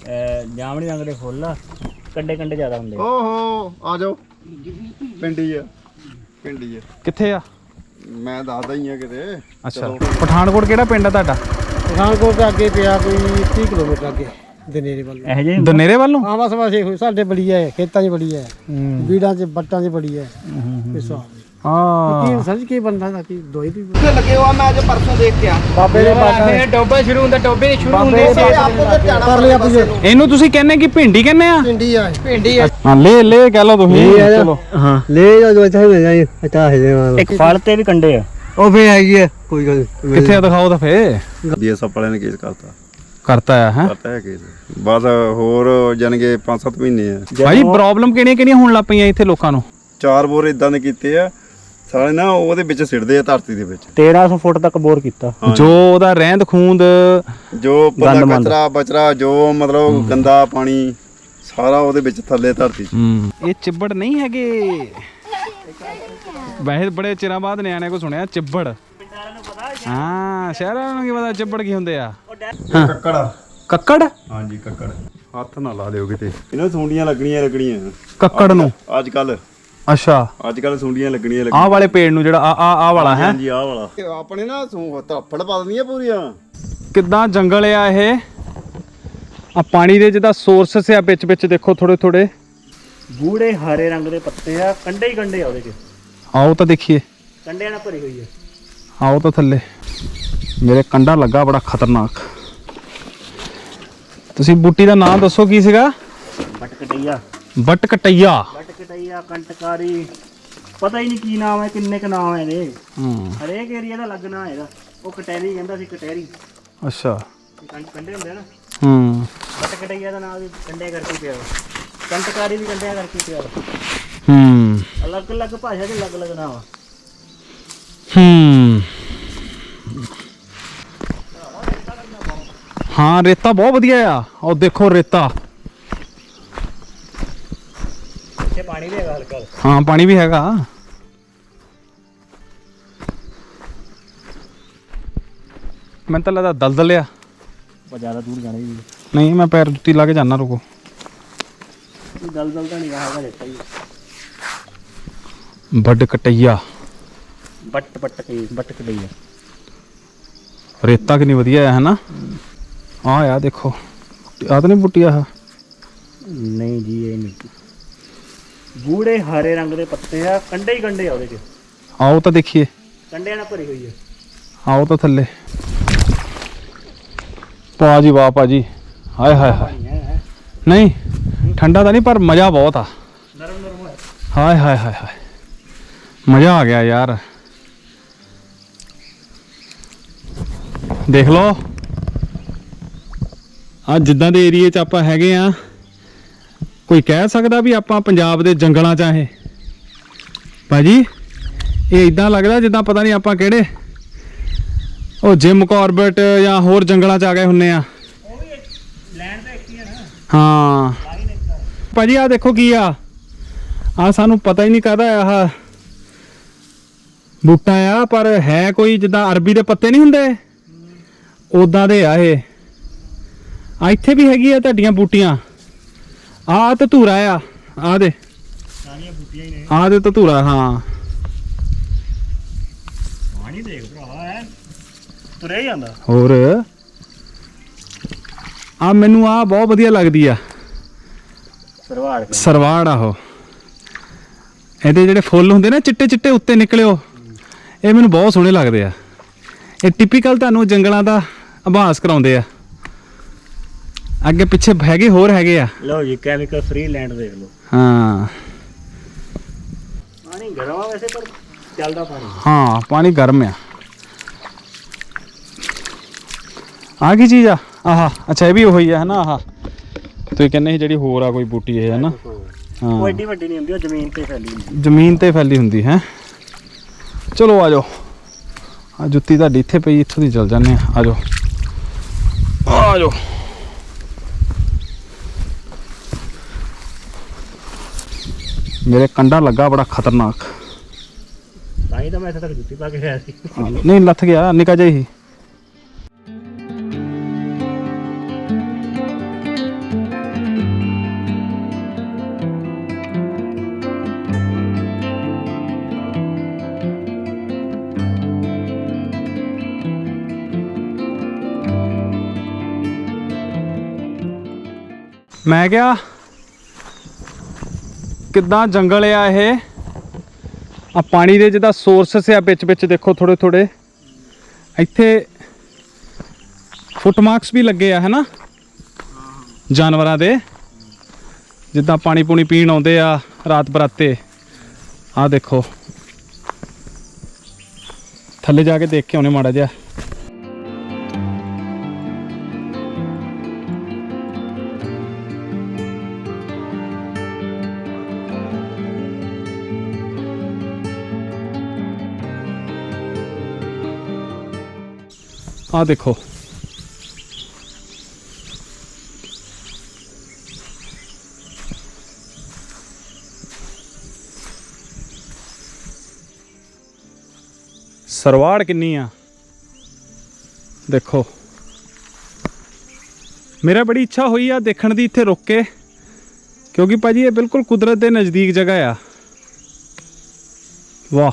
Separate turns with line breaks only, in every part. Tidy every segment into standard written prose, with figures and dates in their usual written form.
ਜਾਮਣੀ ਰੰਗ ਦੇ ਫੁੱਲ ਆ, ਕੰਡੇ ਕੰਡੇ ਜ਼ਿਆਦਾ ਹੁੰਦੇ।
ਓਹੋ ਆ ਜਾਓ, ਪਿੰਡੀ ਆ, ਪਿੰਡੀ ਆ।
ਕਿੱਥੇ ਆ?
ਮੈਂ ਦੱਸਦਾ ਹੀ ਆ ਕਿਤੇ।
ਅੱਛਾ, ਪਠਾਨਕੋਟ ਕਿਹੜਾ ਪਿੰਡ ਆ ਤੁਹਾਡਾ?
ਪਠਾਨਕੋਟ ਤੋਂ ਅੱਗੇ ਪਿਆ ਕੋਈ 30 ਕਿਲੋਮੀਟਰ ਅੱਗੇ ਦਨੇਰੇ ਵੱਲ।
ਇਹੋ ਜਿਹੇ
ਦਨੇਰੇ ਵੱਲ ਨੂੰ?
ਹਾਂ ਬਸ ਬਸ ਇਹੋ ਸਾਡੇ ਬੜੀ ਹੈ, ਖੇਤਾਂ 'ਚ ਬੜੀ ਹੈ, ਬੀੜਾਂ 'ਚ ਬੱਟਾਂ 'ਚ ਬੜੀ ਹੈ। ਇਸ
ਹਾਂ
ਕੀ ਸਮਝ ਕੀ ਬੰਦਾ ਦਾ ਕੀ ਦੋਈ ਦੀ
ਲੱਗੇ ਹੋਆ ਮੈਂ ਅੱਜ ਪਰਸੋਂ ਦੇਖ ਕੇ ਆ
ਬਾਬੇ ਦੇ ਬਾਬੇ
ਟੋਬਾ ਸ਼ੁਰੂ ਹੁੰਦਾ, ਟੋਬੇ ਸ਼ੁਰੂ
ਹੁੰਦੇ ਕਰ ਲਿਆ ਪੁੱਛੋ
ਇਹਨੂੰ ਤੁਸੀਂ ਕਹਿੰਦੇ ਕਿ ਭਿੰਡੀ ਕਹਿੰਦੇ ਆ?
ਪਿੰਡੀ ਆ
ਹਾਂ ਲੈ ਕਹਿ ਲਓ ਤੁਸੀਂ। ਚਲੋ
ਹਾਂ ਲੈ ਜੋ ਇੱਥੇ ਮਿਲ ਜਾਏ ਅੱਛਾ ਹੈ।
ਇੱਕ ਫਲ ਤੇ ਵੀ ਕੰਡੇ ਆ।
ਉਹ ਫੇ ਹੈਗੀ ਹੈ ਕੋਈ ਗੱਲ
ਕਿੱਥੇ ਆ ਦਿਖਾਓ ਤਾਂ ਫੇ।
ਡੀਐਸਐਫ ਵਾਲਿਆਂ ਨੇ ਕੇਸ
ਕਰਤਾ ਹੈ
ਕਰਤਾ ਹੈ ਕੇਸ। ਬਸ ਹੋਰ ਜਾਣਗੇ 5-7 ਮਹੀਨੇ ਆ।
ਭਾਈ ਪ੍ਰੋਬਲਮ ਕਿਹੜੀਆਂ ਹੋਣ ਲੱਗ ਪਈਆਂ ਇੱਥੇ ਲੋਕਾਂ ਨੂੰ?
4 ਬੋਰ ਇਦਾਂ ਦੇ ਕੀਤੇ ਆ ਸਾਰੇ ਨਾ, ਉਹਦੇ ਵਿੱਚ ਸਿੱਟਦੇ ਆ ਧਰਤੀ ਦੇ ਵਿੱਚ।
1300 ਫੁੱਟ ਤੱਕ ਬੋਰ ਕੀਤਾ।
ਜੋ ਉਹਦਾ ਰਹਿੰਦ ਖੂੰਦ,
ਜੋ ਪੱਲਾ ਕਚਰਾ ਬਚਰਾ, ਜੋ ਮਤਲਬ ਗੰਦਾ ਪਾਣੀ ਸਾਰਾ ਉਹਦੇ ਵਿੱਚ ਥੱਲੇ ਧਰਤੀ 'ਚ।
ਇਹ ਚਿੱਬੜ ਨਹੀਂ ਹੈਗੇ ਵੈਸੇ ਬੜੇ ਚਿਰਾਂ ਬਾਅਦ ਨਿਆਣਿਆਂ ਕੋ ਸੁਣਿਆ ਚਿੱਬੜ। ਹਾਂ ਸ਼ਹਿਰਾਂ ਨੂੰ ਕੀ ਪਤਾ ਚਿੱਬੜ ਕੀ ਹੁੰਦੇ ਆ।
ਕੱਕੜ।
ਕੱਕੜ?
ਹਾਂਜੀ ਕੱਕੜ। ਹੱਥ ਨਾ ਲਾ ਦਿਓ ਕਿਤੇ, ਇਹਨਾਂ ਸੁੰਡੀਆਂ ਲੱਗਣੀਆਂ
ਕੱਕੜ ਨੂੰ
ਅੱਜ ਕੱਲ।
ਅੱਛਾ
ਅੱਜ ਕੱਲ ਸੁੰਡੀਆਂ ਲੱਗਣੀਆਂ
ਆਹ ਵਾਲੇ ਪੇੜ ਨੂੰ ਜਿਹੜਾ ਆ ਵਾਲਾ ਹੈ?
ਹਾਂਜੀ ਆਹ ਵਾਲਾ। ਆਪਣੇ ਨਾ ਧੱਫੜ ਪਾ ਦਿੰਦੀਆਂ ਪੂਰੀਆਂ।
ਕਿੱਦਾਂ ਜੰਗਲ ਆ ਇਹ। ਆ ਪਾਣੀ ਦੇ ਜਿਹਦਾ ਸੋਰਸ ਆ ਵਿੱਚ ਵਿੱਚ ਦੇਖੋ ਥੋੜੇ ਥੋੜੇ
ਗੂੜੇ ਹਰੇ ਰੰਗ ਦੇ ਪੱਤੇ ਆ, ਕੰਡੇ ਹੀ ਕੰਡੇ ਆ ਉਹਦੇ 'ਚ।
ਆਓ ਤਾਂ ਦੇਖੀਏ।
ਕੰਡਿਆਂ ਨਾਲ ਭਰੀ ਹੋਈ ਆ।
ਆਓ ਤਾਂ ਥੱਲੇ ਮੇਰੇ ਕੰਡਾ ਲੱਗਾ ਬੜਾ ਖਤਰਨਾਕ। ਤੁਸੀਂ ਬੂਟੀ ਦਾ ਨਾਮ ਦੱਸੋ ਕੀ ਸੀਗਾ?
ਬਟਕਟਈਆ।
ਬਟਕਟਈਆ।
ਬਟਕਟਈਆ, ਕੰਟਕਾਰੀ, ਪਤਾ ਹੀ ਨਹੀਂ ਕੀ ਨਾਮ ਹੈ, ਕਿੰਨੇ ਕ ਨਾਮ ਹੈ ਇਹਦੇ। ਹਰੇਕ ਏਰੀਆ ਦਾ ਲੱਗਣਾ ਇਹਦਾ। ਉਹ ਕਟਹਿਰੀ ਕਹਿੰਦਾ ਸੀ, ਕਟਹਿਰੀ।
ਅੱਛਾ
ਕੰਡੇ ਹੁੰਦੇ ਨਾ।
ਬਟਕਟਈਆ
ਦਾ ਨਾਮ ਵੀ ਕੰਡੇ ਕਰਕੇ ਪਿਆ, ਕੰਟਕਾਰੀ ਵੀ ਕੰਡਿਆਂ ਕਰਕੇ ਪਿਆ। ਅਲੱਗ ਅਲੱਗ ਭਾਸ਼ਾ ਦੇ ਅਲੱਗ ਅਲੱਗ ਨਾਮ ਆ।
ਹਾਂ ਰੇਤਾ ਬਹੁਤ ਵਧੀਆ ਆ। ਉਹ ਦੇਖੋ ਰੇਤਾ।
ਇੱਥੇ ਪਾਣੀ ਵੀ ਹੈਗਾ ਹਲਕਾ।
ਹਾਂ ਪਾਣੀ ਵੀ ਹੈਗਾ। ਮੈਨੂੰ ਤਾਂ ਲੱਗਦਾ ਦਲਦਲ ਆ।
ਜ਼ਿਆਦਾ ਦੂਰ ਜਾਣਾ ਹੀ
ਨਹੀਂ ਮੈਂ ਪੈਰ ਜੁੱਤੀ ਲਾ ਕੇ ਜਾਣਾ। ਰੁਕੋ।
ਦਲਦਲ ਤਾਂ ਨਹੀਂ ਹੈਗਾ, ਰੇਤਾ ਹੀ।
ਬਟਕਟਈਆ।
ਬਟਕਟਈਆ।
ਰੇਤਾ ਕਿੰਨੀ ਵਧੀਆ ਹੈ ਨਾ। ਆ ਦੇਖੋ ਆ ਤਾਂ ਨਹੀਂ ਬੁੱਟੀ ਆ।
ਨਹੀਂ ਜੀ ਇਹ ਨਹੀਂ। ਗੂੜੇ ਹਰੇ ਰੰਗ ਦੇ ਪੱਤੇ ਆ, ਕੰਡੇ ਹੀ ਕੰਡੇ ਆ ਉਹਦੇ 'ਚ।
ਆਓ ਤਾਂ ਦੇਖੀਏ।
ਕੰਡਿਆਂ ਨਾਲ ਭਰੀ ਹੋਈ ਆ।
ਆਓ ਤਾਂ ਥੱਲੇ। ਪਾ ਜੀ ਵਾਹ ਭਾਜੀ। ਹਾਏ ਹਾਏ ਹਾਏ। ਨਹੀਂ ਠੰਡਾ ਤਾਂ ਨਹੀਂ ਪਰ ਮਜ਼ਾ ਬਹੁਤ ਆ।
ਨਰਮ ਨਰਮ ਹੈ।
ਹਾਏ ਹਾਏ ਹਾਏ ਹਾਏ ਮਜ਼ਾ ਆ ਗਿਆ ਯਾਰ। ਦੇਖ ਲਓ ਆ ਜਿੱਦਾਂ ਦੇ ਏਰੀਏ 'ਚ ਆਪਾਂ ਹੈਗੇ ਆ, ਕੋਈ ਕਹਿ ਸਕਦਾ ਵੀ ਆਪਾਂ ਪੰਜਾਬ ਦੇ ਜੰਗਲਾਂ 'ਚ ਆ। ਇਹ ਭਾਜੀ ਇਹ ਇਦਾਂ ਲੱਗਦਾ ਜਿੱਦਾਂ ਪਤਾ ਨਹੀਂ ਆਪਾਂ ਕਿਹੜੇ ਉਹ ਜਿਮ ਕਾਰਬੇਟ ਜਾਂ ਹੋਰ ਜੰਗਲਾਂ 'ਚ ਆ ਗਏ ਹੁੰਨੇ ਆ।
ਲੈਂਡ ਤਾਂ ਇੱਕ ਹੀ ਆ ਨਾ।
ਹਾਂ ਭਾਜੀ ਆ ਦੇਖੋ ਕੀ ਆ। ਆ ਸਾਨੂੰ ਪਤਾ ਹੀ ਨਹੀਂ ਕਾਹਦਾ ਆਹ ਬੂਟਾ ਆ, ਪਰ ਹੈ ਕੋਈ ਜਿੱਦਾਂ ਅਰਬੀ ਦੇ ਪੱਤੇ ਨਹੀਂ ਹੁੰਦੇ ਉਦਾਂ ਦੇ ਆ ਇਹ। ਆ ਇੱਥੇ ਵੀ ਹੈਗੀ ਆ ਤੁਹਾਡੀਆਂ ਬੂਟੀਆਂ। ਆ ਧਤੂਰਾ ਆ। ਆ ਦੇ
ਸਾਰੀਆਂ ਬੂਟੀਆਂ ਹੀ ਨੇ।
ਆ ਦੇ ਧਤੂਰਾ। ਹਾਂ
ਪਾਣੀ ਦੇਖ ਭਰਾ ਹੈ ਤੁਰੇ ਜਾਂਦਾ।
ਹੋਰ ਆ ਮੈਨੂੰ ਆ ਬਹੁਤ ਵਧੀਆ ਲੱਗਦੀ ਆ। ਸਰਵਾੜ ਆਹੋ। ਇਹਦੇ ਜਿਹੜੇ ਫੁੱਲ ਹੁੰਦੇ ਨਾ ਚਿੱਟੇ ਚਿੱਟੇ ਉੱਤੇ ਨਿਕਲਿਓ, ਇਹ ਮੈਨੂੰ ਬਹੁਤ ਸੋਹਣੇ ਲੱਗਦੇ ਆ। ਇਹ ਟਿਪੀਕਲ ਤੁਹਾਨੂੰ ਜੰਗਲਾਂ ਦਾ ਆਭਾਸ ਕਰਾਉਂਦੇ ਆ। ਅੱਗੇ ਪਿੱਛੇ ਹੈਗੇ ਹੋਰ ਹੈਗੇ ਆ।
ਲਓ ਜੀ ਕੈਮੀਕਲ ਫ੍ਰੀ ਲੈਂਡ ਦੇਖ ਲਓ।
ਹਾਂ
ਪਾਣੀ ਗਰਮ ਆ ਵੈਸੇ, ਪਰ ਚੱਲਦਾ ਪਾਣੀ।
ਹਾਂ ਪਾਣੀ ਗਰਮ ਆ। ਆ ਕੀ ਚੀਜ਼ ਆ? ਆਹਾ ਅੱਛਾ ਇਹ ਵੀ ਉਹੀ ਆ ਹਨਾ। ਆਹ ਤੁਸੀਂ ਕਹਿੰਦੇ ਸੀ ਜਿਹੜੀ ਹੋਰ ਆ ਕੋਈ ਬੂਟੀ ਇਹ ਹੈ ਨਾ। ਹਾਂ
ਉਹ ਐਡੀ ਵੱਡੀ ਨਹੀਂ ਹੁੰਦੀ, ਉਹ ਜ਼ਮੀਨ ਤੇ ਫੈਲੀ ਹੁੰਦੀ।
ਜ਼ਮੀਨ ਤੇ ਫੈਲੀ ਹੁੰਦੀ ਹੈ। ਚਲੋ ਆ ਜਾਓ। ਆ ਜੁੱਤੀ ਤੁਹਾਡੀ ਇੱਥੇ ਪਈ, ਇੱਥੋਂ ਦੀ ਚੱਲ ਜਾਂਦੇ ਆ। ਆ ਜਾਓ ਆ ਜਾਓ। ਮੇਰੇ ਕੰਡਾ ਲੱਗਾ ਬੜਾ ਖਤਰਨਾਕ।
ਤਾਂ ਹੀ ਤਾਂ ਮੈਂ ਇੱਥੇ ਤੱਕ ਜੁੱਤੀ ਪਾ ਕੇ ਆਇਆ ਸੀ।
ਨਹੀਂ ਲੱਥ ਗਿਆ ਨਿੱਕਾ ਜਿਹਾ ਹੀ। ਮੈਂ ਕਿਹਾ ਕਿੱਦਾਂ ਜੰਗਲ ਆ ਇਹ ਆ ਪਾਣੀ ਦੇ ਜਿੱਦਾਂ ਸੋਰਸਸ ਆ ਵਿੱਚ ਵਿੱਚ ਦੇਖੋ ਥੋੜੇ ਥੋੜੇ ਇੱਥੇ ਫੁੱਟਮਾਰਕਸ ਵੀ ਲੱਗੇ ਆ ਹੈਨਾ ਜਾਨਵਰਾਂ ਦੇ ਜਿੱਦਾਂ ਪਾਣੀ ਪੂਣੀ ਪੀਣ ਆਉਂਦੇ ਆ ਰਾਤ ਬਰਾਤੇ ਆ ਦੇਖੋ ਥੱਲੇ ਜਾ ਕੇ ਦੇਖ ਕੇ ਆਉਣੇ ਮਾੜਾ ਜਿਹਾ ਆ ਦੇਖੋ ਸਰਵਾੜ ਕਿੰਨੀ ਆ ਦੇਖੋ ਮੇਰਾ ਬੜੀ ਇੱਛਾ ਹੋਈ ਆ ਦੇਖਣ ਦੀ ਇੱਥੇ ਰੁਕ ਕੇ ਕਿਉਂਕਿ ਭਾਜੀ ਇਹ ਬਿਲਕੁਲ ਕੁਦਰਤ ਦੇ ਨਜ਼ਦੀਕ ਜਗ੍ਹਾ ਆ ਵਾਹ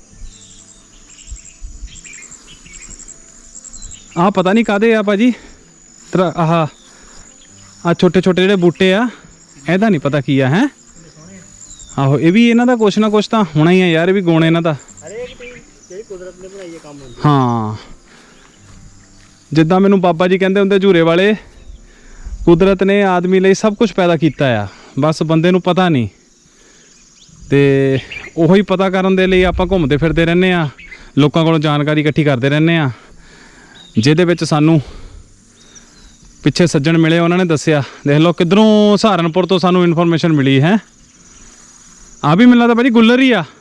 ਆ ਪਤਾ ਨਹੀਂ ਕਾਦੇ ਆ ਭਾਜੀ ਆਹ ਆ ਛੋਟੇ ਛੋਟੇ ਜਿਹੜੇ ਬੂਟੇ ਆ ਇਹਦਾ ਨਹੀਂ ਪਤਾ ਕੀ ਆ ਹੈ ਆਹੋ ਇਹ ਵੀ ਇਹਨਾਂ ਦਾ ਕੁਛ ਨਾ ਕੁਛ ਤਾਂ ਹੋਣਾ ਹੀ ਆ ਯਾਰ ਇਹ ਵੀ ਗੁਣ ਇਹਨਾਂ ਦਾ
ਹਰੇਕ ਦੀ ਜਿਹੜੀ ਕੁਦਰਤ ਨੇ ਬਣਾਈ ਹੈ ਕੰਮ ਹੁੰਦੀ
ਹਾਂ ਜਿੱਦਾਂ ਮੈਨੂੰ ਬਾਬਾ ਜੀ ਕਹਿੰਦੇ ਹੁੰਦੇ ਝੂਰੇ ਵਾਲੇ ਕੁਦਰਤ ਨੇ ਆਦਮੀ ਲਈ ਸਭ ਕੁਝ ਪੈਦਾ ਕੀਤਾ ਆ ਬਸ ਬੰਦੇ ਨੂੰ ਪਤਾ ਨਹੀਂ ਤੇ ਉਹੀ ਪਤਾ ਕਰਨ ਦੇ ਲਈ ਆਪਾਂ ਘੁੰਮਦੇ ਫਿਰਦੇ ਰਹਿੰਦੇ ਆ ਲੋਕਾਂ ਕੋਲੋਂ ਜਾਣਕਾਰੀ ਇਕੱਠੀ ਕਰਦੇ ਰਹਿੰਦੇ ਆ ਜਿਹਦੇ ਵਿੱਚ ਸਾਨੂੰ ਪਿੱਛੇ ਸੱਜਣ ਮਿਲੇ ਉਹਨਾਂ ਨੇ ਦੱਸਿਆ ਦੇਖ ਲਓ ਕਿੱਧਰੋਂ ਸਹਾਰਨਪੁਰ ਤੋਂ ਸਾਨੂੰ ਇਨਫੋਰਮੇਸ਼ਨ ਮਿਲੀ ਹੈ ਆ ਵੀ ਮੈਨੂੰ ਲੱਗਦਾ ਭਾਜੀ ਗੁੱਲਰ ਹੀ ਆ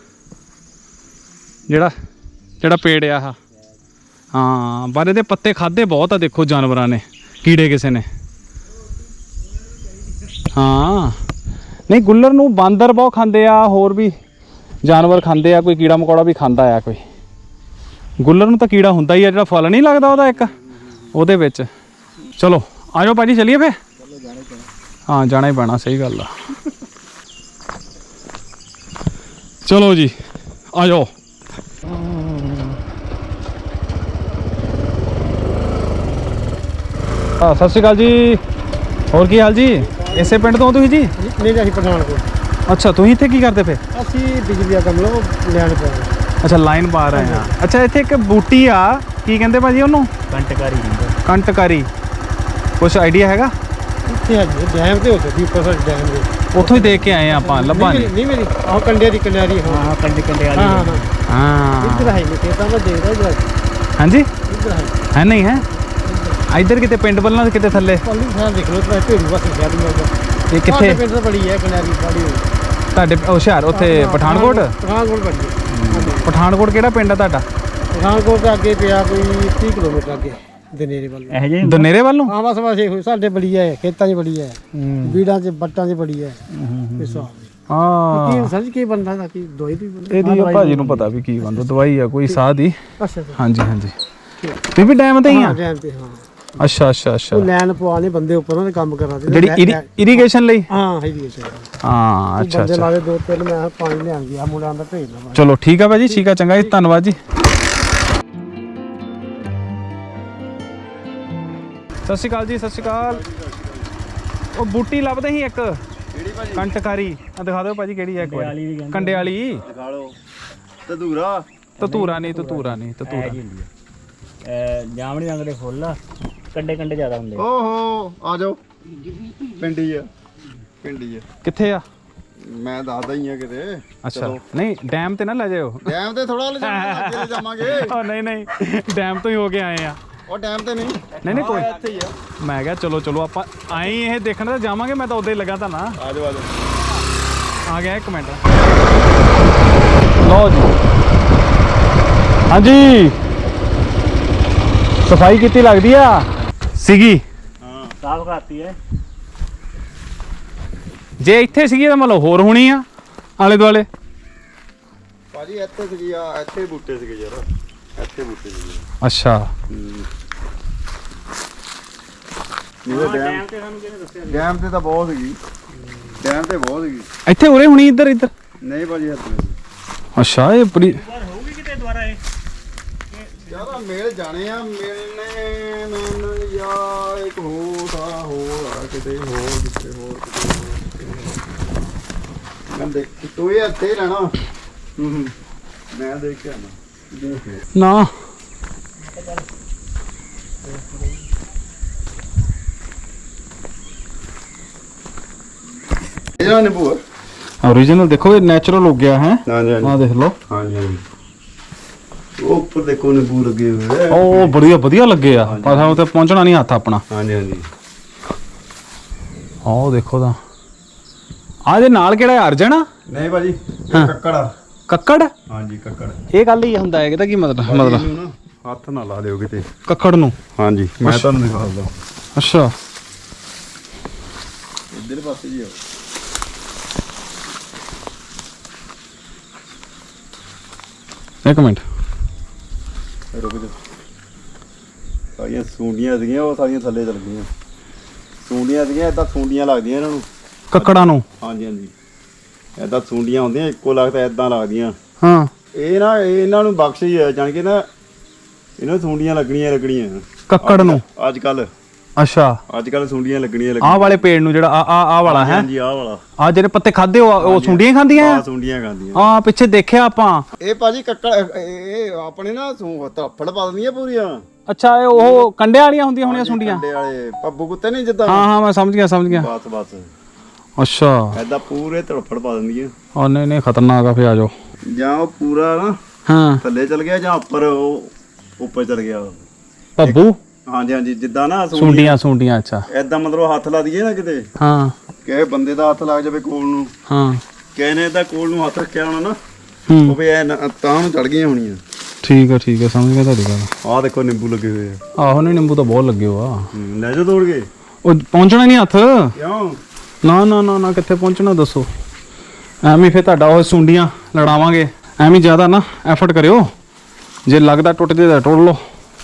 ਜਿਹੜਾ ਪੇੜ ਆ ਆਹ ਹਾਂ ਪਰ ਇਹਦੇ ਪੱਤੇ ਖਾਦੇ ਬਹੁਤ ਆ ਦੇਖੋ ਜਾਨਵਰਾਂ ਨੇ ਕੀੜੇ ਕਿਸੇ ਨੇ ਹਾਂ ਨਹੀਂ ਗੁੱਲਰ ਨੂੰ ਬਾਂਦਰ ਬਹੁਤ ਖਾਂਦੇ ਆ ਹੋਰ ਵੀ ਜਾਨਵਰ ਖਾਂਦੇ ਆ ਕੋਈ ਕੀੜਾ ਮਕੌੜਾ ਵੀ ਖਾਂਦਾ ਆ ਕੋਈ ਗੁੱਲਰ ਨੂੰ ਤਾਂ ਕੀੜਾ ਹੁੰਦਾ ਹੀ ਆ ਜਿਹੜਾ ਫਲ ਨਹੀਂ ਲੱਗਦਾ ਉਹਦਾ ਇੱਕ ਉਹਦੇ ਵਿੱਚ ਚਲੋ ਆ ਜਾਓ ਭਾਜੀ ਚਲੀਏ ਫੇ ਹਾਂ ਜਾਣਾ ਹੀ ਪੈਣਾ ਸਹੀ ਗੱਲ ਆ ਚਲੋ ਜੀ ਆ ਜਾਓ ਸਤਿ ਸ਼੍ਰੀ ਅਕਾਲ ਜੀ ਹੋਰ ਕੀ ਹਾਲ ਜੀ ਇਸੇ ਪਿੰਡ ਤੋਂ ਤੁਸੀਂ ਜੀ
ਨਹੀਂ ਅਸੀਂ ਪਠਾਨਕੋਟ
ਅੱਛਾ ਤੁਸੀਂ ਇੱਥੇ ਕੀ ਕਰਦੇ ਫੇ
ਅਸੀਂ ਬਿਜਲੀ ਦਾ ਕੰਮ ਲੋ ਲੈਣ ਪਏ
ਅੱਛਾ ਲਾਈਨ ਪਾ ਰਹੇ ਆ ਅੱਛਾ ਇੱਥੇ ਇੱਕ ਬੂਟੀ ਆ ਕੀ ਕਹਿੰਦੇ ਭਾਜੀ ਉਹਨੂੰ
ਕੰਟਕਾਰੀ ਹੁੰਦਾ
ਕੰਟਕਾਰੀ ਕੁਛ ਆਈਡੀਆ ਹੈਗਾ
ਇੱਥੇ ਹੈ ਡੈਮ ਤੇ ਹੋ ਸਕਦੀ ਉੱਪਰ ਸਾਡੇ ਡੈਮ ਦੇ
ਉੱਥੋਂ ਹੀ ਦੇਖ ਕੇ ਆਏ ਆ ਆਪਾਂ ਲੱਭਾਂ
ਨਹੀਂ ਮੇਰੀ ਆਹ ਕੰਡੇ ਦੀ ਕਿਨਾਰੀ
ਹਾਂ ਕੰਡੇ ਕੰਡੇ ਵਾਲੀ
ਹਾਂ
ਹਾਂ
ਇੱਧਰ ਹੈ ਨਹੀਂ ਤਾਂ ਮੈਂ ਦੇਖਦਾ ਇੱਧਰ
ਹਾਂਜੀ
ਇੱਧਰ
ਹੈ ਨਹੀਂ ਹੈ ਇੱਧਰ ਕਿਤੇ ਪਿੰਡ ਵੱਲੋਂ ਕਿਤੇ ਥੱਲੇ
ਪੱਲੀ ਸਾਹਿਬ ਦੇਖ ਲਓ ਤਾਂ ਢੇਰੂ ਬਸ ਸ਼ਹਿਰ ਨੂੰ
ਇਹ ਕਿੱਥੇ
ਪਿੰਡ ਤਾਂ ਬੜੀ ਹੈ ਕਿਨਾਰੀ ਸਾਡੀ
ਤੁਹਾਡੇ ਹੁਸ਼ਿਆਰ ਉੱਥੇ ਪਠਾਨਕੋਟ
ਪਠਾਨਕੋਟ ਬੜੀ ਹੈ
ਪਠਾਨਕੋਟ ਕਿਹੜਾ ਪਿੰਡ ਆ ਤੁਹਾਡਾ
ਪਠਾਨਕੋਟ ਦੇ ਅੱਗੇ ਪਿਆ ਕੋਈ 30 ਕਿਲੋਮੀਟਰ ਅੱਗੇ ਦਨੇਰੇ ਵੱਲ
ਇਹ ਜੇ
ਦਨੇਰੇ ਵੱਲੋਂ
ਹਾਂ ਬਸ ਇਹੋ ਸਾਡੇ ਬੜੀ ਹੈ ਖੇਤਾਂ 'ਚ ਬੜੀ ਹੈ ਬੀੜਾਂ 'ਚ ਬੱਟਾਂ 'ਚ ਬੜੀ ਹੈ ਇਸ
ਹਾਂ
ਕੀ ਸਮਝ ਕੀ ਬੰਦਾ ਦਾ ਕੀ ਦਵਾਈ ਦੀ ਬੰਦਾ
ਇਹਦੀ ਭਾਜੀ ਨੂੰ ਪਤਾ ਵੀ ਕੀ ਬੰਦਾ ਦਵਾਈ ਆ ਕੋਈ ਸਾਹ ਦੀ
ਅੱਛਾ
ਹਾਂਜੀ ਹਾਂਜੀ ਤੁਸੀਂ ਵੀ ਡੈਮ ਤੇ ਹੀ ਆ
ਟਾਈਮ ਤੇ ਹਾਂ
ਅੱਛਾ ਅੱਛਾ ਅੱਛਾ
ਉਹ ਲੈਣ ਪਵਾਣੇ ਬੰਦੇ ਉੱਪਰ ਉਹਨੇ ਕੰਮ ਕਰਾਦੇ
ਜਿਹੜੀ ਇਰੀਗੇਸ਼ਨ ਲਈ
ਹਾਂ ਹੈਗੀ ਹੈ
ਹਾਂ ਅੱਛਾ
ਬੰਦੇ
ਅੱਛਾ
ਲਾਵੇ ਦੋ ਤਿੰਨ ਮੈਂ ਪਾਣੀ ਲਿਆਂ ਗਿਆ ਮੁੰਡਿਆਂ ਦਾ ਭੇਜ ਲਵਾਂ
ਚਲੋ ਠੀਕ ਆ ਭਾਜੀ ਠੀਕ ਆ ਚੰਗਾ ਜੀ ਧੰਨਵਾਦ ਜੀ ਸਤਿ ਸ਼੍ਰੀ ਅਕਾਲ ਜੀ ਸਤਿ ਸ਼੍ਰੀ ਅਕਾਲ ਉਹ ਬੂਟੀ ਲੱਭਦੇ ਸੀ ਇੱਕ
ਕਿਹੜੀ ਭਾਜੀ
ਕੰਟਕਾਰੀ ਆ ਦਿਖਾ ਦਿਓ ਭਾਜੀ ਕਿਹੜੀ ਹੈ ਇੱਕ ਵਾਰੀ ਕੰਡੇ ਵਾਲੀ
ਦਿਖਾ ਲਓ ਤਦੂਰਾ
ਤਤੂਰਾ ਨਹੀਂ ਤਤੂਰਾ
ਜਾਮਣੀ ਰੰਗ ਦੇ ਫੁੱਲ ਆ ਕੰਡੇ ਕੰਡੇ ਜ਼ਿਆਦਾ ਹੁੰਦੇ
ਓਹੋ ਆ ਜਾਓ ਪਿੰਡੀ ਆ
ਕਿੱਥੇ ਆ
ਮੈਂ ਦੱਸਦਾ ਹੀ ਆ ਕਿਤੇ
ਅੱਛਾ ਨਹੀਂ ਡੈਮ ਤੇ ਨਾ ਲੈ ਜਾਇਓ
ਡੈਮ ਤੇ ਥੋੜਾ ਲੈ ਜਾਵਾਂਗੇ
ਉਹ ਨਹੀਂ ਡੈਮ ਤੋਂ ਹੀ ਹੋ ਕੇ ਆਏ ਆ
ਉਹ ਡੈਮ ਤੇ
ਨਹੀਂ ਕੋਈ
ਇੱਥੇ ਹੀ ਆ
ਮੈਂ ਕਿਹਾ ਚਲੋ ਆਪਾਂ ਆਏ ਇਹ ਦੇਖਣ ਤਾਂ ਜਾਵਾਂਗੇ ਮੈਂ ਤਾਂ ਉਦੋਂ ਹੀ ਲੱਗਾ ਤਾਂ ਨਾ
ਆ ਜਾਓ
ਆ ਗਿਆ ਇੱਕ ਮਿੰਟ ਲਓ ਜੀ ਹਾਂਜੀ ਸਫਾਈ ਕੀਤੀ ਲੱਗਦੀ ਆ ਸੀਗੀ
ਹਾਂ ਸਾਫ ਕਰਤੀ ਹੈ
ਜੇ ਇੱਥੇ ਸੀਗੀ ਤਾਂ ਮਤਲਬ ਹੋਰ ਹੋਣੀ ਆ ਆਲੇ ਦੁਆਲੇ
ਭਾਜੀ ਇੱਥੇ ਸੀਗੀ ਆ ਇੱਥੇ ਬੂਟੇ ਸੀਗੇ ਯਾਰ ਇੱਥੇ ਬੂਟੇ ਸੀਗੇ
ਅੱਛਾ
ਡੈਮ ਤੇ ਸਾਨੂੰ ਕਿਹਨੇ ਦੱਸਿਆ
ਡੈਮ ਤੇ ਤਾਂ ਬਹੁਤ ਸੀਗੀ
ਇੱਥੇ ਉਰੇ ਹੋਣੀ ਇੱਧਰ
ਨਹੀਂ ਭਾਜੀ ਇੱਥੇ
ਅੱਛਾ ਇਹ ਬੜੀ
ਯਾਰ ਹੋਊਗੀ ਕਿਤੇ ਦੁਬਾਰਾ ਇਹ
ਯਾਰ ਮੇਲ ਜਾਣੇ ਆ ਮਿਲਨੇ ਮੈਨੂੰ ਯਾਰ ਇੱਕ ਹੋਰ ਕਿਤੇ ਹੋਰ ਕਿਤੇ ਹੋਰ ਮੈਂ ਦੇਖ ਤੂੰ ਇਹ ਇੱਥੇ ਰਹਿਣਾ ਮੈਂ ਦੇਖ ਕੇ ਆਣਾ
ਨਾ
ਇਹਦਾ ਨਿੰਬੂ
ओरिजिनल देखो ये नेचुरल हो गया है
ਹਾਂਜੀ
हाँ देख लो
ਹਾਂਜੀ ਹਾਂਜੀ ਉਹ ਉੱਪਰ ਦੇਖੋ ਨਿੰਬੂ ਲੱਗੇ ਹੋਏ ਆ
ओ बढ़िया बढ़िया लगे आ पर हम तो पहुंचना नहीं हाथ अपना
ਹਾਂਜੀ ਹਾਂਜੀ
ओ देखो दा आ जे नाल केड़ा है अर्जन
ਨਹੀਂ ਭਾਜੀ ਇਹ ਕੱਕੜ ਆ
ਕੱਕੜ
ਹਾਂਜੀ ਕੱਕੜ
ਇਹ ਗੱਲ ਹੀ ਹੁੰਦਾ ਹੈ ਇਹਦਾ ਕੀ ਮਤਲਬ
ਇਹਨੂੰ ਨਾ ਹੱਥ ਨਾ ਲਾ ਦਿਓ ਕਿਤੇ
ਕੱਕੜ ਨੂੰ
ਹਾਂਜੀ ਮੈਂ ਤੁਹਾਨੂੰ ਦਿਖਾ ਦਿੰਦਾ
ਅੱਛਾ
ਇੱਧਰ ਪਾਸੇ ਜੀ ਆਓ
ਇੱਕ ਮਿੰਟ
ਰੁਕ ਜਾ ਸਾਰੀਆਂ ਸੁੰਡੀਆਂ ਸੀਗੀਆਂ ਉਹ ਸਾਰੀਆਂ ਥੱਲੇ ਚਲ ਗਈਆਂ ਸੁੰਡੀਆਂ ਸੀਗੀਆਂ ਇਦਾਂ ਸੁੰਡੀਆਂ ਲੱਗਦੀਆਂ ਇਹਨਾਂ ਨੂੰ
ਕੱਕੜਾਂ ਨੂੰ
ਹਾਂਜੀ ਹਾਂਜੀ ਇਦਾਂ ਸੁੰਡੀਆਂ ਹੁੰਦੀਆਂ ਇੱਕੋ ਲੱਗਦਾ ਇਦਾਂ ਲੱਗਦੀਆਂ
ਹਾਂ
ਇਹ ਨਾ ਇਹਨਾਂ ਨੂੰ ਬਖਸ਼ ਹੀ ਹੈ ਜਾਣ ਕੇ ਨਾ ਇਹਨਾਂ ਨੂੰ ਸੁੰਡੀਆਂ ਲੱਗਣੀਆਂ
ਕੱਕੜ ਨੂੰ
ਅੱਜ ਕੱਲ
ਅੱਛਾ
ਸੁੰਡੀਆਂ ਲੱਗਣੀਆਂ
ਆਹ ਵਾਲੇ ਪੇੜ ਨੂੰ ਜਿਹੜਾ ਆ ਵਾਲਾ ਹੈ
ਹਾਂਜੀ ਆਹ ਵਾਲਾ
ਆ ਜਿਹੜੇ ਪੱਤੇ ਖਾਦੇ ਉਹ ਸੁੰਡੀਆਂ ਹੀ ਖਾਂਦੀਆਂ ਆ
ਸੁੰਡੀਆਂ ਖਾਂਦੀਆਂ
ਹਾਂ ਪਿੱਛੇ ਦੇਖਿਆ ਆਪਾਂ
ਇਹ ਭਾਜੀ ਕੱਕੜ ਇਹ ਆਪਣੇ ਨਾ ਧੱਫੜ ਪਾ ਦਿੰਦੀਆਂ ਪੂਰੀਆਂ
ਅੱਛਾ ਇਹ ਉਹ ਕੰਡਿਆਂ ਵਾਲੀਆਂ ਹੁੰਦੀਆਂ ਹੋਣੀਆਂ ਸੁੰਡੀਆਂ
ਕੰਡੇ ਵਾਲੇ ਪੱਬੂ ਕੁੱਤੇ ਨਹੀਂ ਜਿੱਦਾਂ
ਹਾਂ ਮੈਂ ਸਮਝ ਗਿਆ
ਬਸ
ਅੱਛਾ
ਐਦਾਂ ਪੂਰੇ ਧੜਫੜ ਪਾ ਦਿੰਦੀਆਂ
ਉਹ ਨਹੀਂ ਖਤਰਨਾਕ ਆ ਫੇ ਆ ਜਾਓ
ਜਾਂ ਉਹ ਪੂਰਾ ਨਾ
ਹਾਂ
ਥੱਲੇ ਚਲ ਗਿਆ ਜਾਂ ਉੱਪਰ ਉਹ ਉੱਪਰ ਚਲ ਗਿਆ
ਪੱਬੂ
ਹਾਂਜੀ ਜਿੱਦਾਂ ਨਾ
ਸੁੰਡੀਆਂ ਅੱਛਾ
ਐਦਾਂ ਮਤਲਬ ਹੱਥ ਲਾ ਦਈਏ ਨਾ ਕਿਤੇ
ਹਾਂ
ਕਿਸੇ ਬੰਦੇ ਦਾ ਹੱਥ ਲੱਗ ਜਾਵੇ ਕੋਲ ਨੂੰ
ਹਾਂ
ਕਿਸੇ ਨੇ ਏਦਾਂ ਕੋਲ ਨੂੰ ਹੱਥ ਰੱਖਿਆ ਹੋਣਾ ਨਾ
ਹੂੰ
ਉਹ ਵੀ ਐ ਤਾਂ ਨੂੰ ਚੜ ਗਈਆਂ ਹੋਣੀਆਂ
ਠੀਕ ਆ ਸਮਝ ਗਿਆ ਤੁਹਾਡੀ ਗੱਲ
ਆਹ ਦੇਖੋ ਨਿੰਬੂ ਲੱਗੇ ਹੋਏ ਆ
ਆਹੋ ਨਹੀਂ ਨਿੰਬੂ ਤਾਂ ਬਹੁਤ ਲੱਗੇ ਹੋ ਆ
ਲੈ ਜਾ ਤੋੜ ਕੇ
ਉਹ ਪਹੁੰਚਣਾ ਨਹੀਂ ਹੱਥ
ਕਿਉਂ
ਨਾ ਕਿੱਥੇ ਪਹੁੰਚਣਾ ਦੱਸੋ ਐਵੇਂ ਫੇ ਤੁਹਾਡਾ ਉਹ ਸੁੰਡੀਆਂ ਲੜਾਵਾਂਗੇ ਐਵੇਂ ਜ਼ਿਆਦਾ ਨਾ ਐਫਰਟ ਕਰਿਓ ਜੇ ਲੱਗਦਾ ਟੁੱਟ ਜੇ ਤਾਂ ਟੁੱਟ ਲਓ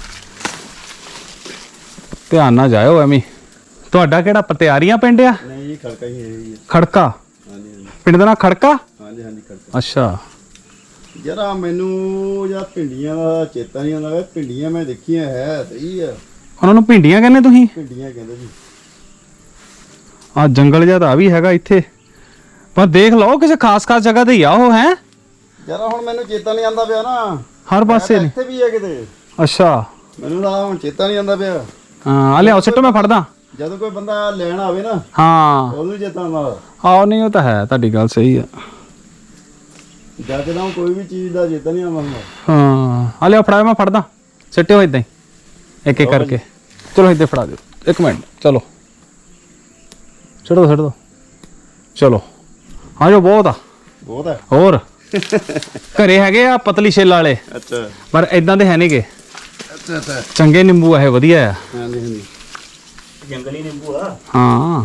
ਧਿਆਨ ਨਾਲ ਜਾਇਓ ਐਵੇਂ ਤੁਹਾਡਾ ਕਿਹੜਾ ਪਤਿਆਰੀਆਂ ਪਿੰਡ ਆ
ਨਹੀਂ ਜੀ ਖੜਕਾ ਹੀ ਹੈ
ਖੜਕਾ
ਹਾਂਜੀ
ਪਿੰਡ ਦਾ ਨਾਂ ਖੜਕਾ
ਹਾਂਜੀ ਖੜਕਾ
ਅੱਛਾ
ਜਰਾ ਮੈਨੂੰ ਜਾਂ ਭਿੰਡੀਆਂ ਦਾ ਚੇਤਾ ਨਹੀਂ ਆਉਂਦਾ ਭਿੰਡੀਆਂ ਮੈਂ ਦੇਖੀਆਂ ਹੈ ਸਹੀ ਆ
ਉਹਨਾਂ ਨੂੰ ਭਿੰਡੀਆਂ ਕਹਿੰਦੇ ਤੁਸੀਂ
ਭਿੰਡੀਆਂ ਕਹਿੰਦੇ ਜੀ
ਆ ਜੰਗਲ ਜਿਹਾ ਤਾਂ ਵੀ ਹੈਗਾ ਇੱਥੇ ਪਰ ਦੇਖ ਲਓ ਕਿਸੇ ਖਾਸ ਜਗ੍ਹਾ ਤੇ ਹੀ ਆ ਉਹ ਹੈ
ਜਰਾ ਹੁਣ ਮੈਨੂੰ ਚੇਤਾ ਨਹੀਂ ਆਉਂਦਾ ਪਿਆ ਨਾ
ਹਰ ਪਾਸੇ
ਇੱਥੇ ਵੀ ਹੈ ਕਿਤੇ
ਅੱਛਾ
ਮੈਨੂੰ ਤਾਂ ਹੁਣ ਚੇਤਾ ਨਹੀਂ ਆਉਂਦਾ ਪਿਆ
ਹਾਂ ਆ ਲਿਆਓ ਸਿੱਟੋ ਮੈਂ ਫੜਦਾ
ਜਦੋਂ ਕੋਈ ਬੰਦਾ ਲੈਣ ਆਵੇ ਨਾ
ਹਾਂ
ਉਹਨੂੰ ਚੇਤਾ ਆਉਂਦਾ
ਆਹ ਨਹੀਂ ਉਹ ਤਾਂ ਹੈ ਤੁਹਾਡੀ ਗੱਲ ਸਹੀ ਆ
ਜਦ ਤਾਂ ਕੋਈ ਵੀ ਚੀਜ਼ ਦਾ ਚੇਤਾ ਨਹੀਂ ਆਉਂਦਾ ਹੁੰਦਾ
ਹਾਂ ਆ ਲਿਆਓ ਫੜਾਓ ਮੈਂ ਫੜਦਾ ਸਿੱਟਿਓ ਇਦਾਂ ਹੀ ਇੱਕ ਕਰਕੇ ਚਲੋ ਇੱਥੇ ਫੜਾ ਦਿਓ ਇੱਕ ਮਿੰਟ ਚਲੋ ਛੱਡ ਦੋ ਚਲੋ ਹਾਂ ਜੋ ਬਹੁਤ
ਹੈ
ਹੋਰ ਘਰੇ ਹੈਗੇ ਆ ਪਤਲੀ ਛਿੱਲ ਵਾਲੇ
ਅੱਛਾ
ਪਰ ਇਦਾਂ ਦੇ ਹੈ ਨਹੀਂਗੇ
ਅੱਛਾ
ਚੰਗੇ ਨਿੰਬੂ ਆ ਇਹ ਵਧੀਆ ਆ
ਹਾਂਜੀ
ਜੰਗਲੀ ਨਿੰਬੂ ਆ
ਹਾਂ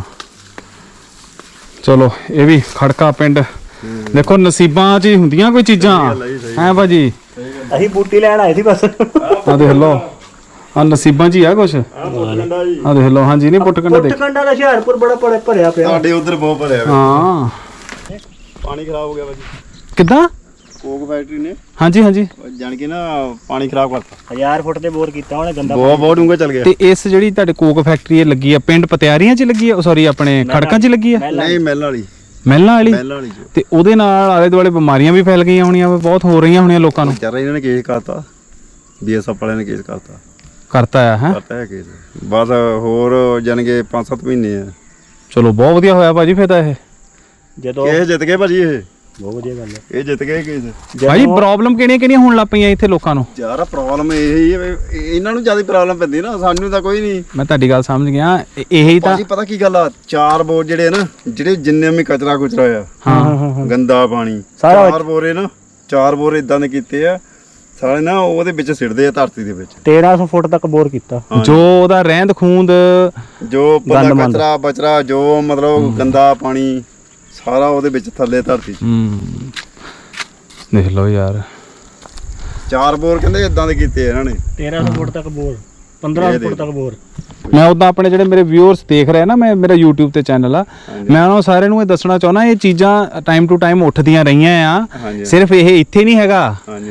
ਚਲੋ ਇਹ ਵੀ ਖੜਕਾ ਪਿੰਡ ਦੇਖੋ ਨਸੀਬਾਂ 'ਚ ਹੀ ਹੁੰਦੀਆਂ ਕੋਈ ਚੀਜ਼ਾਂ ਹੈ ਭਾਜੀ
ਅਸੀਂ ਬੂਟੀ ਲੈਣ ਆਏ ਸੀ ਬਸ
ਆ ਦੇਖ ਲਓ ਆ ਨਸੀਬਾਂ 'ਚ ਹੀ ਆ ਕੁਛ ਆ ਦੇਖ ਲਓ ਹਾਂਜੀ ਨਹੀਂ ਪੁੱਟਕੰਡਾ ਦੇਖ
ਪੁੱਟਕੰਡਾ ਦਾ ਹੁਸ਼ਿਆਰਪੁਰ ਬੜਾ ਭਰਿਆ ਪਿਆ
ਸਾਡੇ ਉਧਰ ਬਹੁਤ ਭਰਿਆ
ਹਾਂ
ਪਾਣੀ ਖਰਾਬ ਹੋ ਗਿਆ ਭਾਜੀ
ਕਿੱਦਾਂ
ਕੋਕ ਫੈਕਟਰੀ ਨੇ
ਹਾਂਜੀ
ਜਾਣ ਕੇ ਨਾ ਪਾਣੀ ਖਰਾਬ ਕਰਤਾ
1000 ਫੁੱਟ ਤੇ ਬੋਰ ਕੀਤਾ ਉਹਨੇ ਗੰਦਾ
ਬਹੁਤ ਡੂੰਘਾ ਚੱਲ ਗਿਆ
ਤੇ ਇਸ ਜਿਹੜੀ ਤੁਹਾਡੇ ਕੋਕ ਫੈਕਟਰੀ ਇਹ ਲੱਗੀ ਆ ਪਿੰਡ ਪਤਿਆਰੀਆਂ 'ਚ ਲੱਗੀ ਆ ਸੌਰੀ ਆਪਣੇ ਖੜਕਾਂ 'ਚ ਲੱਗੀ ਆ
ਨਹੀਂ ਮਹਿਲਾਂ ਵਾਲੀ
ਮਹਿਲਾਂ ਵਾਲੀ ਤੇ ਉਹਦੇ ਨਾਲ ਆਲੇ ਦੁਆਲੇ ਬਿਮਾਰੀਆਂ ਵੀ ਫੈਲ ਗਈਆਂ ਹੋਣੀਆਂ ਬਹੁਤ ਹੋ ਰਹੀਆਂ ਹੋਣੀਆਂ ਲੋਕਾਂ ਨੂੰ
ਵਿਚਾਰਾ ਇਹਨਾਂ ਨੇ ਕੇਸ ਕਰਤਾ ਬੀਐਸਐਫ ਵਾਲਿਆਂ ਨੇ ਕੇਸ
ਕਰਤਾ ਆ ਹੈ
ਕਰਤਾ ਹੈ ਕੇਸ ਬਸ ਹੋਰ ਜਾਣਗੇ 5-7 ਮਹੀਨੇ ਆ
ਚਲੋ ਬਹੁਤ ਵਧੀਆ ਹੋਇਆ ਭਾਜੀ ਫਿਰ ਤਾਂ ਇਹ
ਜਦੋਂ
ਕੇਸ ਜਿੱਤ ਗਏ ਭਾਜੀ ਇਹ
ਬਹੁਤ ਵਧੀਆ ਗੱਲ ਹੈ
ਇਹ ਜਿੱਤ ਗਏ ਕੇਸ
ਭਾਜੀ ਪ੍ਰੋਬਲਮ ਕਿਹੜੀਆਂ ਹੋਣ ਲੱਗ ਪਈਆਂ ਇੱਥੇ ਲੋਕਾਂ ਨੂੰ
ਯਾਰ ਪ੍ਰੋਬਲਮ ਇਹ ਹੀ ਹੈ ਇਹਨਾਂ ਨੂੰ ਜ਼ਿਆਦਾ ਪ੍ਰੋਬਲਮ ਪੈਂਦੀ ਨਾ ਸਾਨੂੰ ਤਾਂ ਕੋਈ ਨਹੀਂ
ਮੈਂ ਤੁਹਾਡੀ ਗੱਲ ਸਮਝ ਗਿਆ ਇਹੀ ਤਾਂ
ਭਾਜੀ ਪਤਾ ਕੀ ਗੱਲ ਆ 4 ਬੋਰ ਜਿਹੜੇ ਨਾ ਜਿਹੜੇ ਜਿੰਨੇ ਵੀ ਕਚਰਾ ਆ
ਹਾਂ
ਗੰਦਾ ਪਾਣੀ
ਸਾਰਾ
4 ਬੋਰੇ ਨਾ 4 ਬੋਰ ਇਦਾਂ ਦੇ ਕੀਤੇ ਆ ਸਾਰੇ ਨਾ ਉਹਦੇ ਵਿੱਚ ਸਿੱਟਦੇ ਆ ਧਰਤੀ ਦੇ ਵਿੱਚ
1300 ਫੁੱਟ ਤੱਕ ਬੋਰ ਕੀਤਾ
ਜੋ ਉਹਦਾ ਰਹਿੰਦ ਖੂੰਦ
ਜੋ ਬੰਦਾ ਕਚਰਾ ਬਚਰਾ ਜੋ ਮਤਲਬ ਗੰਦਾ ਪਾਣੀ ਸਾਰਾ ਉਹਦੇ ਵਿੱਚ ਥੱਲੇ ਧਰਤੀ 'ਚ
ਦੇਖ ਲਓ ਯਾਰ
4 ਬੋਰ ਕਹਿੰਦੇ ਇਦਾਂ ਦੇ ਕੀਤੇ ਇਹਨਾਂ ਨੇ
1300 ਫੁੱਟ ਤੱਕ ਬੋਰ 1500 ਫੁੱਟ ਤੱਕ ਬੋਰ
ਮੈਂ ਉਦਾਂ ਆਪਣੇ ਜਿਹੜੇ ਮੇਰੇ ਵਿਊਅਰਸ ਦੇਖ ਰਹੇ ਨਾ ਮੇਰਾ YouTube ਤੇ ਚੈਨਲ ਆ ਮੈਂ ਉਹਨਾਂ ਸਾਰਿਆਂ ਨੂੰ ਇਹ ਦੱਸਣਾ ਚਾਹੁੰਦਾ ਇਹ ਚੀਜ਼ਾਂ ਟਾਈਮ ਟੂ ਟਾਈਮ ਉੱਠਦੀਆਂ ਰਹੀਆਂ ਆ ਸਿਰਫ ਇਹ ਇੱਥੇ ਨਹੀਂ ਹੈਗਾ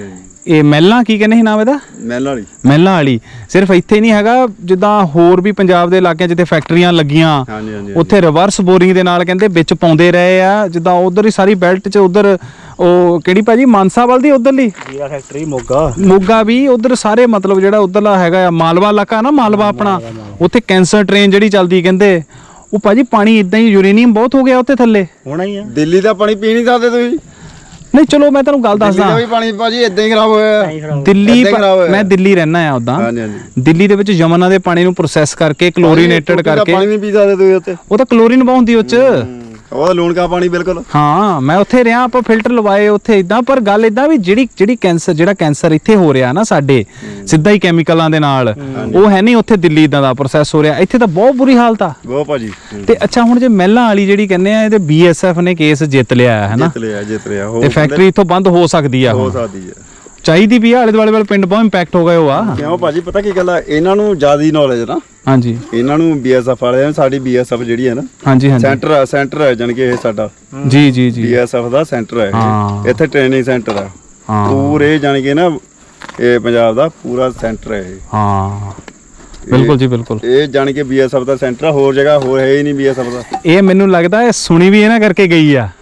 ਇਹ ਮਹਿਲਾਂ ਕੀ ਕਹਿੰਦੇ ਸੀ ਨਾਮ ਇਹਦਾ?
ਮਹਿਲ ਵਾਲੀ।
ਮਹਿਲਾਂ ਵਾਲੀ। ਸਿਰਫ ਇੱਥੇ ਨਹੀਂ ਹੈਗਾ, ਜਿੱਦਾਂ ਹੋਰ ਵੀ ਪੰਜਾਬ ਦੇ ਇਲਾਕਿਆਂ ਜਿੱਥੇ ਫੈਕਟਰੀਆਂ ਲੱਗੀਆਂ
ਹਾਂਜੀ ਹਾਂਜੀ
ਉੱਥੇ ਰਿਵਰਸ ਬੋਰਿੰਗ ਦੇ ਨਾਲ ਕਹਿੰਦੇ ਵਿੱਚ ਪਾਉਂਦੇ ਰਹੇ ਆ। ਜਿੱਦਾਂ ਉਧਰ ਹੀ ਸਾਰੀ ਬੈਲਟ 'ਚ ਉਧਰ ਉਹ ਕਿਹੜੀ ਭਾਜੀ ਮਾਨਸਾ ਵੱਲ ਦੀ ਉਧਰਲੀ
ਜੀਰਾ ਫੈਕਟਰੀ ਮੋਗਾ
ਮੋਗਾ ਵੀ ਉਧਰ ਸਾਰੇ ਮਤਲਬ ਜਿਹੜਾ ਉਧਰਲਾ ਹੈਗਾ ਆ ਮਾਲਵਾ ਇਲਾਕਾ ਨਾ, ਮਾਲਵਾ ਆਪਣਾ, ਉੱਥੇ ਕੈਂਸਰ ਟ੍ਰੇਨ ਜਿਹੜੀ ਚੱਲਦੀ ਕਹਿੰਦੇ ਉਹ ਭਾਜੀ ਪਾਣੀ ਇਦਾਂ ਹੀ ਯੂਰੇਨੀਅਮ ਬਹੁਤ ਹੋ ਗਿਆ ਉੱਥੇ ਥੱਲੇ।
ਹੋਣਾ ਹੀ ਆ।
ਦਿੱਲੀ ਦਾ ਪਾਣੀ ਪੀ ਨਹੀਂ ਸਕਦੇ ਤੁਸੀਂ?
ਨਹੀਂ ਚਲੋ ਮੈਂ ਤੁਹਾਨੂੰ ਗੱਲ
ਦਿੱਲੀ ਦਾ
ਦੱਸਦਾ।
ਵੀ ਪਾਣੀ ਭਾਜੀ ਇਦਾਂ ਹੀ ਖਰਾਬ ਹੋਇਆ।
ਦਿੱਲੀ
ਏਦਾਂ ਹੀ ਖਰਾਬ ਹੋਇਆ।
ਮੈਂ ਦਿੱਲੀ ਰਹਿਣਾ ਆ ਉਦਾਂ।
ਹਾਂਜੀ ਹਾਂਜੀ।
ਦਿੱਲੀ ਦੇ ਵਿੱਚ ਯਮਨਾ ਦੇ ਪਾਣੀ ਨੂੰ ਪ੍ਰੋਸੈਸ ਕਰਕੇ ਕਲੋਰੀਨੇਟਡ ਕਰਕੇ
ਪਾਣੀ ਨਹੀਂ ਪੀ ਸਕਦੇ ਤੁਸੀਂ ਉੱਥੇ।
ਉਹ ਤਾਂ ਕਲੋਰੀਨ ਬਹੁਤ ਹੁੰਦੀ ਉਹ 'ਚ।
ਉਹ ਲੂਣ ਕਾ ਪਾਣੀ ਬਿਲਕੁਲ।
ਹਾਂ ਮੈਂ ਉੱਥੇ ਰਿਹਾ, ਆਪਾਂ ਫਿਲਟਰ ਲਵਾਏ ਉੱਥੇ ਇਦਾਂ। ਪਰ ਗੱਲ ਇਦਾਂ ਵੀ ਜਿਹੜਾ ਕੈਂਸਰ ਇੱਥੇ ਹੋ ਰਿਹਾ ਨਾ ਸਾਡੇ ਸਿੱਧਾ ਹੀ ਕੈਮੀਕਲਾਂ ਦੇ ਨਾਲ, ਉਹ ਹੈ ਨਹੀਂ ਉੱਥੇ ਦਿੱਲੀ ਇਦਾਂ ਦਾ ਪ੍ਰੋਸੈਸ ਹੋ ਰਿਹਾ। ਇੱਥੇ ਤਾਂ ਬਹੁਤ ਬੁਰੀ ਹਾਲਤ ਆ
ਬਹੁਤ ਭਾਜੀ।
ਤੇ ਅੱਛਾ ਹੁਣ ਜੇ ਮਹਿਲਾਂ ਵਾਲੀ ਜਿਹੜੀ ਕਹਿੰਦੇ ਆ ਇਹਦੇ BSF ਨੇ ਕੇਸ ਜਿੱਤ ਲਿਆ ਹੈ ਨਾ,
ਜਿੱਤ ਲਿਆ
ਤੇ ਫੈਕਟਰੀ ਇੱਥੋਂ ਬੰਦ ਹੋ ਸਕਦੀ ਆ।
ਹੋ
ਹੁਣ
ਸਕਦੀ ਹੈ,
ਚਾਹੀਦੀ ਵੀ ਆ। ਆਲੇ ਦੁਆਲੇ ਵਾਲੇ ਪਿੰਡ ਬਹੁਤ ਇੰਪੈਕਟ ਹੋ ਗਏ ਉਹ ਆ।
ਕਿਉਂ ਭਾਜੀ ਪਤਾ ਕੀ ਗੱਲ ਆ, ਇਹਨਾਂ ਨੂੰ ਜ਼ਿਆਦੀ ਨੌਲੇਜ ਨਾ।
ਹਾਂਜੀ
ਇਹਨਾਂ ਨੂੰ BSF ਵਾਲਿਆਂ ਨੂੰ, ਸਾਡੀ BSF ਜਿਹੜੀ ਹੈ ਨਾ
ਹਾਂਜੀ ਹਾਂਜੀ
ਸੈਂਟਰ ਹੈ ਜਾਣੀ ਕਿ ਇਹ ਸਾਡਾ
ਜੀ ਜੀ ਜੀ
BSF ਦਾ ਸੈਂਟਰ ਹੈ
ਹਾਂ।
ਇਹ। ਇੱਥੇ ਟ੍ਰੇਨਿੰਗ ਸੈਂਟਰ ਹੈ
ਹਾਂ
ਪੂਰੇ ਜਾਣੀ ਕਿ ਨਾ, ਇਹ ਪੰਜਾਬ ਦਾ ਪੂਰਾ ਸੈਂਟਰ ਹੈ ਇਹ।
ਹਾਂ ਬਿਲਕੁਲ ਜੀ ਬਿਲਕੁਲ।
ਇਹ ਜਾਣੀ ਕਿ BSF ਦਾ ਸੈਂਟਰ ਆ, ਹੋਰ ਜਗ੍ਹਾ ਹੋਰ ਹੈ ਹੀ ਨਹੀਂ BSF ਦਾ।
ਇਹ ਮੈਨੂੰ ਲੱਗਦਾ ਇਹ ਸੁਣੀ ਵੀ ਇਹਨਾਂ ਕਰਕੇ ਗਈ ਆ।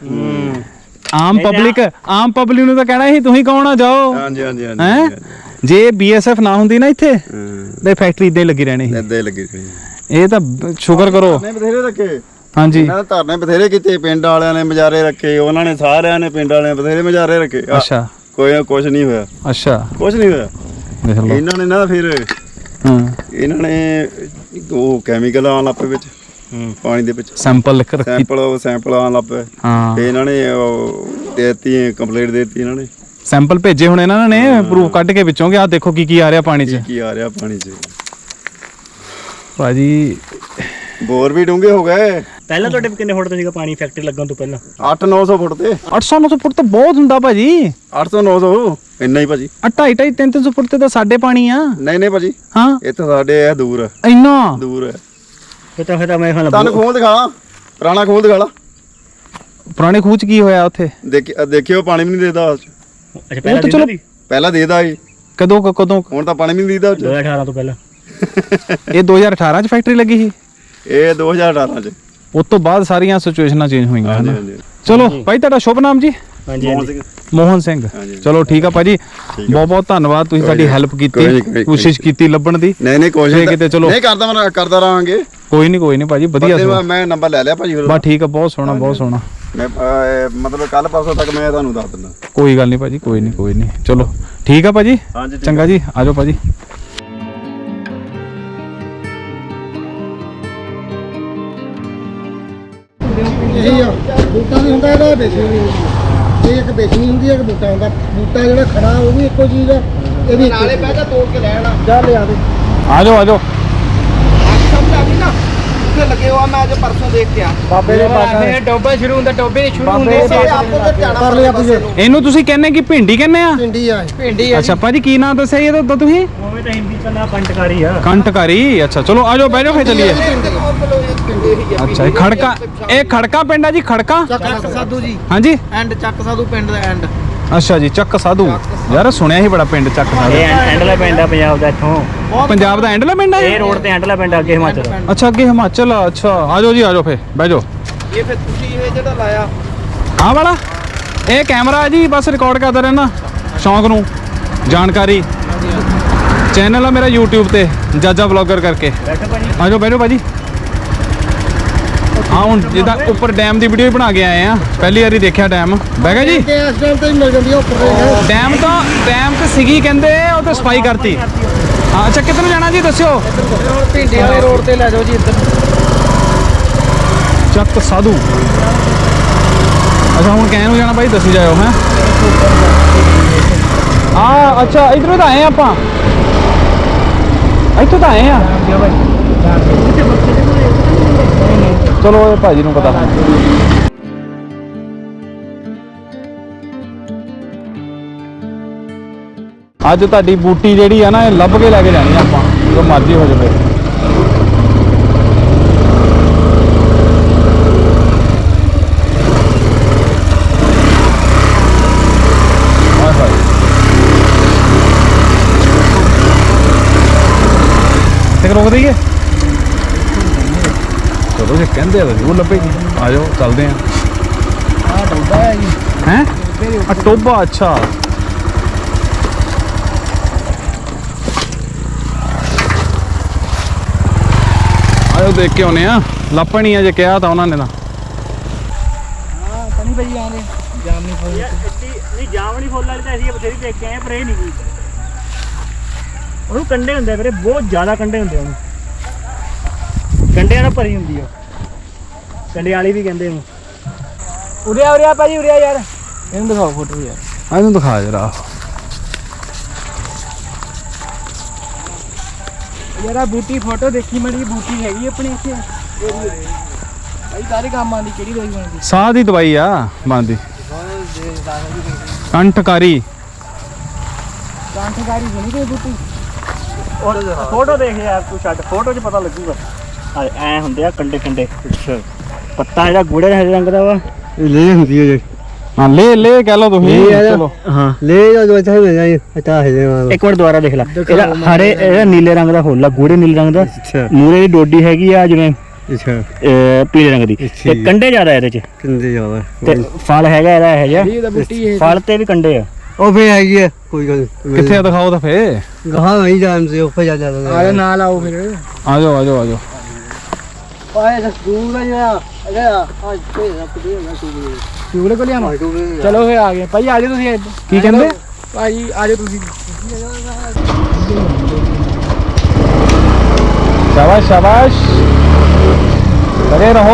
ਆਮ ਪਬਲਿਕ ਨੂੰ ਤਾਂ ਕਹਿਣਾ ਸੀ ਤੁਸੀਂ ਕੌਣ ਆ ਜਾਓ।
ਹਾਂਜੀ ਹਾਂਜੀ ਹਾਂਜੀ
ਹੈ ਜੇ BSF ਨਾ ਹੁੰਦੀ ਨਾ ਇੱਥੇ ਤੇ ਫੈਕਟਰੀ ਇਦਾਂ ਹੀ ਲੱਗੀ ਰਹਿਣੀ ਸੀ।
ਇੱਦਾਂ ਹੀ ਲੱਗੀ ਰਹੀ।
ਇਹ ਤਾਂ ਸ਼ੁਕਰ ਕਰੋ।
ਧਰਨੇ ਬਥੇਰੇ ਰੱਖੇ
ਹਾਂਜੀ
ਇਹਨਾਂ ਨੇ, ਧਰਨੇ ਬਥੇਰੇ ਕੀਤੇ, ਪਿੰਡ ਵਾਲਿਆਂ ਨੇ ਮਜਾਰੇ ਰੱਖੇ, ਉਹਨਾਂ ਨੇ ਸਾਰਿਆਂ ਨੇ ਪਿੰਡ ਵਾਲਿਆਂ ਨੇ ਬਥੇਰੇ ਮਜਾਰੇ ਰੱਖੇ।
ਅੱਛਾ
ਕੋਈ ਕੁਝ ਨਹੀਂ ਹੋਇਆ,
ਅੱਛਾ
ਕੁਝ ਨਹੀਂ ਹੋਇਆ।
ਦੇਖ ਲਓ।
ਇਹਨਾਂ ਨੇ ਨਾ ਫਿਰ
ਹਾਂ
ਇਹਨਾਂ ਨੇ ਉਹ ਕੈਮੀਕਲ ਆਉਣ ਲੱਗ ਪਏ ਵਿੱਚ ਪਾਣੀ ਦੇ ਵਿੱਚ,
ਸੈਂਪਲ ਲਿਖ ਰੱਖੀ।
ਸੈਂਪਲ ਆਉਣ ਲੱਗ ਪਏ।
ਹਾਂ
ਤੇ ਇਹਨਾਂ ਨੇ ਦੇਤੀ ਕੰਪਲੀਟ ਦੇਤੀ ਇਹਨਾਂ ਨੇ।
ਸੈਂਪਲ ਭੇਜੇ ਹੁਣ ਇਹਨਾਂ ਨੇ ਪ੍ਰੂਫ ਕੱਢ ਕੇ ਵਿੱਚੋਂ ਕਿ ਆਹ ਦੇਖੋ ਕੀ ਆ ਰਿਹਾ ਪਾਣੀ 'ਚ।
ਕੀ ਆ ਰਿਹਾ ਪਾਣੀ 'ਚ।
ਭਾਜੀ
ਬੋਰ ਵੀ ਡੂੰਘੇ ਹੋ ਗਏ।
ਪਹਿਲਾਂ ਤੁਹਾਡੇ ਕਿੰਨੇ ਫੁੱਟ ਤੇ ਸੀਗਾ ਪਾਣੀ ਫੈਕਟਰੀ ਲੱਗਣ ਤੋਂ ਪਹਿਲਾਂ?
800-900 ਫੁੱਟ ਤੇ।
800-900 ਫੁੱਟ ਤਾਂ ਬਹੁਤ ਹੁੰਦਾ ਭਾਜੀ।
800-900 ਇੰਨਾ ਹੀ ਭਾਜੀ।
250-300 ਫੁੱਟ ਤੇ ਤਾਂ ਸਾਡੇ ਪਾਣੀ ਆ।
ਨਹੀਂ ਨਹੀਂ ਭਾਜੀ,
ਹਾਂ
ਇੱਥੇ ਸਾਡੇ ਇਹ ਦੂਰ ਹੈ,
ਇੰਨਾ
ਦੂਰ ਹੈ।
ਫਿਰ ਤਾਂ ਮੈਂ ਖਾਣਾ
ਤੁਹਾਨੂੰ ਖੂਹ ਦਿਖਾ, ਪੁਰਾਣਾ ਖੂਹ ਦਿਖਾ ਲਾ।
ਪੁਰਾਣੇ ਖੂਹ 'ਚ ਕੀ ਹੋਇਆ ਉੱਥੇ?
ਦੇਖਿਓ ਪਾਣੀ ਵੀ ਨਹੀਂ ਦੇਦਾ।
ਅੱਛਾ ਪਹਿਲਾਂ
ਚਲੋ
ਪਹਿਲਾਂ ਦੇਦਾ ਸੀ,
ਕਦੋਂ
ਹੁਣ ਤਾਂ ਪਾਣੀ ਵੀ ਨਹੀਂ ਦੇਦਾ।
2018 ਤੋਂ ਪਹਿਲਾਂ।
ਇਹ 2018 'ਚ ਫੈਕਟਰੀ ਲੱਗੀ ਸੀ।
ਇਹ 2018 ਚ।
ਉਸ ਤੋਂ ਬਾਅਦ ਸਾਰੀਆਂ ਸਿਚੁਏਸ਼ਨਾਂ ਚੇਂਜ ਹੋਈਆਂ
ਹਾਂਜੀ
ਹਨ।
ਹਾਂਜੀ।
ਚਲੋ ਭਾਈ ਤੁਹਾਡਾ ਸ਼ੁਭ ਨਾਮ ਜੀ?
ਹਾਂਜੀ
ਮੋਹਨ
ਹਾਂਜੀ।
ਸਿੰਘ।
ਮੋਹਨ ਸਿੰਘ। ਚਲੋ ਠੀਕ ਆ ਭਾਜੀ, ਬਹੁਤ ਬਹੁਤ ਧੰਨਵਾਦ, ਤੁਸੀਂ ਸਾਡੀ ਹੈਲਪ ਕੀਤੀ, ਕੋਸ਼ਿਸ਼ ਕੀਤੀ ਲੱਭਣ ਦੀ।
ਨਹੀਂ ਕੋਸ਼ਿਸ਼
ਕਿਤੇ ਚਲੋ
ਨਹੀਂ ਕਰਦਾ ਰਹਾਂਗੇ।
ਕੋਈ ਨਹੀਂ ਭਾਜੀ, ਵਧੀਆ।
ਮੈਂ ਨੰਬਰ ਲੈ ਲਿਆ ਭਾਜੀ ਫਿਰ।
ਬਸ ਠੀਕ ਆ, ਬਹੁਤ ਸੋਹਣਾ ਬਹੁਤ ਸੋਹਣਾ।
ਮੈਂ ਮਤਲਬ ਕੱਲ ਪਰਸੋਂ ਤੱਕ ਮੈਂ ਤੁਹਾਨੂੰ ਦੱਸ ਦਿੰਦਾ।
ਕੋਈ ਗੱਲ ਨਹੀਂ ਭਾਜੀ, ਕੋਈ ਨਹੀਂ। ਚਲੋ ਠੀਕ ਆ ਭਾਜੀ, ਚੰਗਾ ਜੀ, ਆਜੋ ਭਾਜੀ।
ਇਹੀ ਆ, ਬੂਟਾ ਨਹੀਂ ਹੁੰਦਾ ਇਹਦਾ, ਬੇਸਣੀ ਨਹੀਂ ਹੁੰਦੀ। ਇਹ ਇੱਕ ਬੇਸਣੀ ਹੁੰਦੀ ਹੈ, ਇੱਕ ਬੂਟਾ ਹੁੰਦਾ। ਬੂਟਾ ਜਿਹੜਾ ਖੜਾ ਉਹ ਵੀ ਇੱਕੋ ਚੀਜ਼ ਆ। ਇਹਦੀ ਨਾਲੇ ਬਹਿ ਜਾ ਤੋੜ ਕੇ ਲੈਣਾ ਜਾ ਲਿਆ ਦੇ।
ਆਜੋ
ਸਮਝ ਆ ਗਈ ਨਾ, ਉੱਥੇ ਲੱਗੇ ਹੋਆ। ਮੈਂ ਅੱਜ ਪਰਸੋਂ ਦੇਖ ਕੇ ਆ
ਬਾਬੇ ਦੇ ਪਾਸੇ
ਟੋਬੇ ਸ਼ੁਰੂ ਹੁੰਦਾ, ਟੋਬੇ ਨਹੀਂ ਸ਼ੁਰੂ ਹੁੰਦੇ।
ਆਪੋ ਤੇ ਧਿਆਣਾ ਕਰ ਲਿਆ ਪੁੱਛੇ
ਇਹਨੂੰ ਤੁਸੀਂ ਕਹਿੰਦੇ ਕਿ ਭਿੰਡੀ ਕਹਿੰਦੇ ਆ?
ਪਿੰਡੀ ਆ
ਭਿੰਡੀ ਆ।
ਅੱਛਾ ਭਾਜੀ, ਕੀ ਨਾਮ ਦੱਸਿਆ ਇਹਦਾ ਤੁਸੀਂ?
ਉਵੇਂ ਤਾਂ ਹਿੰਦੀ ਚ ਨਾ ਕੰਟਕਾਰੀ ਆ।
ਕੰਟਕਾਰੀ। ਅੱਛਾ ਚਲੋ ਆਜੋ, ਬਹਿ ਜਾਓ, ਫੇਰ ਚੱਲੀਏ। ਅੱਛਾ ਇਹ ਖੜਕਾ ਪਿੰਡ ਆ ਜੀ? ਖੜਕਾ
ਚੱਕ ਸਾਧੂ ਜੀ,
ਹਾਂਜੀ।
ਐਂਡ ਚੱਕ ਸਾਧੂ ਪਿੰਡ ਦਾ ਐਂਡ।
ਅੱਛਾ ਜੀ, ਚੱਕ ਸਾਧੂ। ਯਾਰ ਸੁਣਿਆ ਸੀ ਬੜਾ ਪਿੰਡ ਚੱਕ ਸਾਧੂ।
ਇਹ ਐਂਡਲਾ ਪਿੰਡ ਆ ਪੰਜਾਬ ਦਾ ਇੱਥੋਂ।
ਪੰਜਾਬ ਦਾ ਐਂਡਲਾ ਪਿੰਡ ਆ
ਇਹ ਰੋਡ ਤੇ ਐਂਡਲਾ ਪਿੰਡ ਅੱਗੇ ਹਿਮਾਚਲ।
ਅੱਛਾ ਅੱਗੇ ਹਿਮਾਚਲ। ਅੱਛਾ ਆਜੋ ਜੀ, ਆਜੋ ਫੇਰ ਬਹਿ ਜਾਓ।
ਇਹ ਫਿਰ ਤੁਸੀਂ ਇਹ ਜਿਹੜਾ ਲਾਇਆ
ਆਹ ਵਾਲਾ ਇਹ ਕੈਮਰਾ ਜੀ, ਬਸ ਰਿਕਾਰਡ ਕਰਦਾ ਰਹਿਣਾ ਸ਼ੌਂਕ ਨੂੰ। ਜਾਣਕਾਰੀ ਚੈਨਲ ਆ ਮੇਰਾ YouTube ਤੇ, ਜਾਜਾ ਵਲੌਗਰ ਕਰਕੇ। ਆਜੋ ਬਹਿ ਜਾਓ ਭਾਜੀ। ਹਾਂ ਹੁਣ ਜਿੱਦਾਂ ਉੱਪਰ ਡੈਮ ਦੀ ਵੀਡੀਓ ਬਣਾ ਕੇ ਆਏ ਆ, ਪਹਿਲੀ ਵਾਰੀ ਦੇਖਿਆ ਡੈਮ। ਬਹਿ ਗਿਆ ਜੀ।
ਇਸ ਟਾਈਮ ਤੇ ਹੀ ਮਿਲ ਜਾਂਦੀ ਆ ਉੱਪਰ।
ਡੈਮ ਤੇ ਸੀਗੀ ਕਹਿੰਦੇ, ਉਹ ਤੇ ਸਫਾਈ ਕਰਤੀ। ਹਾਂ ਅੱਛਾ, ਕਿੱਧਰ ਨੂੰ ਜਾਣਾ ਜੀ ਦੱਸਿਓ?
ਭਿੰਡੀ ਵਾਲੇ ਰੋਡ ਤੇ ਲੈ ਜਾਓ ਜੀ ਇੱਧਰ।
ਚੱਕ ਸਾਧੂ। ਅੱਛਾ ਹੁਣ ਕਹਿ ਨੂੰ ਜਾਣਾ ਭਾਈ, ਦੱਸੀ ਜਾਇਓ। ਹੈ ਆ ਅੱਛਾ, ਇਧਰੋਂ ਤਾਂ ਆਏ ਆਪਾਂ, ਇੱਥੋਂ ਤਾਂ ਆਏ ਆ। ਚਲੋ ਇਹ ਭਾਜੀ ਨੂੰ ਪਤਾ। ਅੱਜ ਤੁਹਾਡੀ ਬੂਟੀ ਜਿਹੜੀ ਆ ਨਾ, ਇਹ ਲੱਭ ਕੇ ਲੈ ਕੇ ਜਾਣੀ ਆ ਆਪਾਂ, ਜੋ ਮਰਜ਼ੀ ਹੋ ਜਾਵੇ। ਕਹਿੰਦੇ ਆ ਜ਼ਰੂਰ ਲੱਭੇਗੀ। ਆ ਜਾਓ ਚੱਲਦੇ ਆ।
ਆ ਡੋਬਾ ਹੈ ਜੀ
ਹੈ ਆ ਟੋਬਾ, ਅੱਛਾ ਆਇਓ ਦੇਖ ਕੇ ਆਉਨੇ ਆ। ਲੱਭਣੀ ਆ ਜੇ ਕਿਹਾ ਤਾਂ ਉਹਨਾਂ ਨੇ ਤਾਂ।
ਹਾਂ ਕਣੀ ਭਾਈ ਆਂਦੇ ਜਾਮ ਨਹੀਂ ਫੋਨ
ਯਾਰ ਇੱਡੀ ਨਹੀਂ ਜਾਮਣੀ ਫੁੱਲ ਵਾਲੀ ਤਾਂ ਅਸੀਂ ਬਥੇਰੀ ਦੇਖ ਕੇ ਆਏ ਪਰ ਇਹ ਨਹੀਂ ਕੀ ਉਹਨੂੰ ਕੰਡੇ ਹੁੰਦੇ ਵੀਰੇ, ਬਹੁਤ ਜ਼ਿਆਦਾ ਕੰਡੇ ਹੁੰਦੇ ਉਹਨੂੰ। ਕੰਡਿਆਂ ਨਾਲ ਭਰੀ ਹੁੰਦੀ ਆ, ਕੰਡੇ ਵਾਲੀ ਵੀ ਕਹਿੰਦੇ ਉਹਨੂੰ।
ਉਰਿਆ ਭਾਜੀ ਉਰਿਆ ਯਾਰ ਇਹਨੂੰ ਦਿਖਾਓ ਫੋਟੋ ਯਾਰ।
ਇਹਨੂੰ ਦਿਖਾ ਜਰਾ।
ਯਾਰ ਆ ਬੂਟੀ ਫੋਟੋ ਦੇਖੀ ਮੜੀ, ਬੂਟੀ ਹੈਗੀ ਆਪਣੇ ਇੱਥੇ ਭਾਈ ਸਾਰੇ ਕੰਮ ਆਂਦੀ। ਕਿਹੜੀ ਦਵਾਈ ਬਣਦੀ?
ਸਾਹ ਦੀ ਦਵਾਈ ਆ ਬਣਦੀ। ਕੰਠਕਾਰੀ
ਕਾਂਠਗਾਰੀ ਬਣੀ ਕੋਈ ਬੂਟੀ?
ਫੋਟੋ ਦੇਖ ਯਾਰ ਤੂੰ, ਛੱਡ ਫੋਟੋ 'ਚ ਪਤਾ ਲੱਗੂਗਾ। ਐ ਹੁੰਦੇ ਆ ਕੰਡੇ ਕੰਡੇ। ਪੱਤਾ ਜਿਹੜਾ ਗੂੜੇ ਹਰੇ ਰੰਗ ਦਾ ਵਾ,
ਇਹ ਲੈ ਹੁੰਦੀ ਹੈ ਜੀ।
ਹਾਂ ਲੈ ਕਹਿ ਲਓ ਤੁਸੀਂ। ਚਲੋ
ਹਾਂ
ਲੈ ਜੋ ਇੱਥੇ ਮਿਲ ਜਾਏ ਅੱਛਾ ਹੈ ਜੀ।
ਇੱਕ ਵਾਰ ਦੁਬਾਰਾ ਦੇਖ ਲੈ। ਇਹਦਾ ਹਰੇ, ਇਹਦਾ ਨੀਲੇ ਰੰਗ ਦਾ ਫੁੱਲ ਆ, ਗੂੜੇ ਨੀਲੇ ਰੰਗ ਦਾ। ਮੂਰੇ ਦੀ ਡੋਡੀ ਹੈਗੀ ਆ ਜਿਵੇਂ
ਅੱਛਾ
ਪੀਲੇ ਰੰਗ ਦੀ, ਤੇ ਕੰਡੇ ਜ਼ਿਆਦਾ ਇਹਦੇ 'ਚ,
ਕਿੰਦੇ ਜਾਵਾ
ਤੇ ਫਲ ਹੈਗਾ ਇਹਦਾ ਇਹ ਜਿਹਾ।
ਇਹ ਤਾਂ ਬੂਟੀ ਇਹ
ਫਲ ਤੇ ਵੀ ਕੰਡੇ ਆ।
ਉਹ ਫੇ ਹੈਗੀ ਹੈ ਕੋਈ ਗੱਲ
ਕਿੱਥੇ ਆ ਦਿਖਾਓ ਤਾਂ ਫੇ।
ਗਾਹਾਂ ਨਹੀਂ ਜਾਣਦੇ ਉੱਪਰ ਜਾ ਜਾਂਦਾ
ਆਲੇ ਨਾਲ ਆਓ ਫਿਰ।
ਆ ਜਾਓ ਆ ਜਾਓ ਆ ਜਾਓ।
ਪਾਏ ਦਾ ਸਕੂਲ ਦਾ ਜਿਹੜਾ ਇਹਦਾ ਅੱਜ ਤੇ ਰੱਖਦੇ ਨਾ ਸਕੂਲ
ਚੂਲੇ ਕੋਲ ਆਵਾਂ। ਚਲੋ ਫੇ ਆ ਗਏ ਭਾਈ, ਆ ਜਾਓ ਤੁਸੀਂ।
ਕੀ ਕਹਿੰਦੇ
ਭਾਈ ਆ ਜਾਓ ਤੁਸੀਂ।
शाबाश शाबाश, लगे रहो।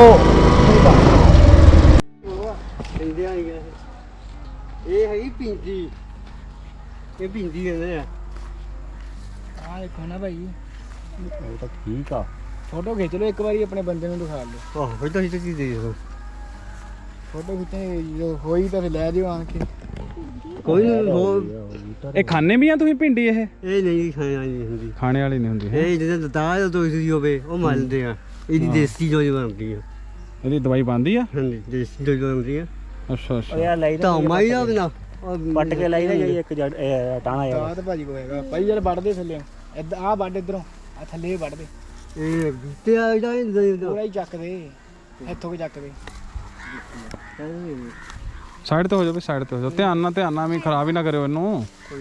ਇਹ ਹੈਗੀ ਪਿੰਦੀ, ਇਹ ਪਿੰਦੀ ਕਹਿੰਦੇ ਆ।
ਆ ਦੇਖੋ ਨਾ ਭਾਈ,
ਉਹ ਤਾਂ ਠੀਕ ਆ।
ਫੋਟੋ ਖਿੱਚ ਲਓ ਇੱਕ ਵਾਰੀ, ਆਪਣੇ ਬੰਦੇ ਨੂੰ ਦਿਖਾ ਲਓ।
ਆਹੋ ਫਿਰ ਤਾਂ ਇਹ ਚੀਜ਼ ਦੇ ਦੋ।
ਫੋਟੋ ਖਿੱਚਣੀ ਜਦੋਂ ਹੋਈ ਤਾਂ ਫਿਰ ਲੈ ਜਿਓ ਆਣ ਕੇ।
ਕੋਈ ਹੋਰ
ਇਹ ਖਾਣੇ ਵੀ ਆ ਤੁਸੀਂ ਭਿੰਡੀ? ਇਹ
ਨਹੀਂ ਖਾਣਾ ਨਹੀਂ ਹੁੰਦੀ।
ਖਾਣੇ ਵਾਲੀ ਨਹੀਂ ਹੁੰਦੀ।
ਇਹ ਜਿਹਦੇ ਦਾਲ ਤੋਂ ਇਸੀ ਹੋਵੇ ਉਹ ਮੰਨਦੇ ਆ। ਇਹਦੀ ਦੇਸੀ ਜੋ ਬਣਦੀ ਆ।
ਇਹਦੀ ਦਵਾਈ ਬਣਦੀ ਆ?
ਹਾਂਜੀ ਦੇਸੀ ਜੋ ਬਣਦੀ ਆ।
ਅੱਛਾ
ਉਹ
ਅੱਛਾ।
ਯਾਰ ਲਈ
ਤਾਂ ਮਾਈ ਦਾ ਬਿਨਾ
ਪੱਟ ਕੇ ਲਾਈ ਦਾ ਜਿਹੜੀ ਇੱਕ ਜੜ ਟਾਣਾ ਆ।
ਤਾਂ ਭਾਜੀ ਕੋ ਹੈਗਾ ਭਾਈ, ਯਾਰ ਵੱਢਦੇ ਥੱਲੇ ਇੱਧਰ ਆ ਵੱਢ, ਇਧਰੋਂ ਆ ਥੱਲੇ ਵੱਢਦੇ,
ਇਹ ਬੂਟੇ ਆ ਜਿਹੜਾ
ਪੂਰਾ ਹੀ ਚੱਕਦੇ ਇੱਥੋਂ ਕਿ ਚੱਕਦੇ।
ਸਾਈਡ ਤੇ ਹੋ ਜਾਓ ਵੀ, ਸਾਈਡ ਤੇ ਹੋ ਜਾਓ। ਧਿਆਨ ਨਾਲ ਵੀ ਖਰਾਬ ਹੀ ਨਾ ਕਰਿਓ ਇਹਨੂੰ।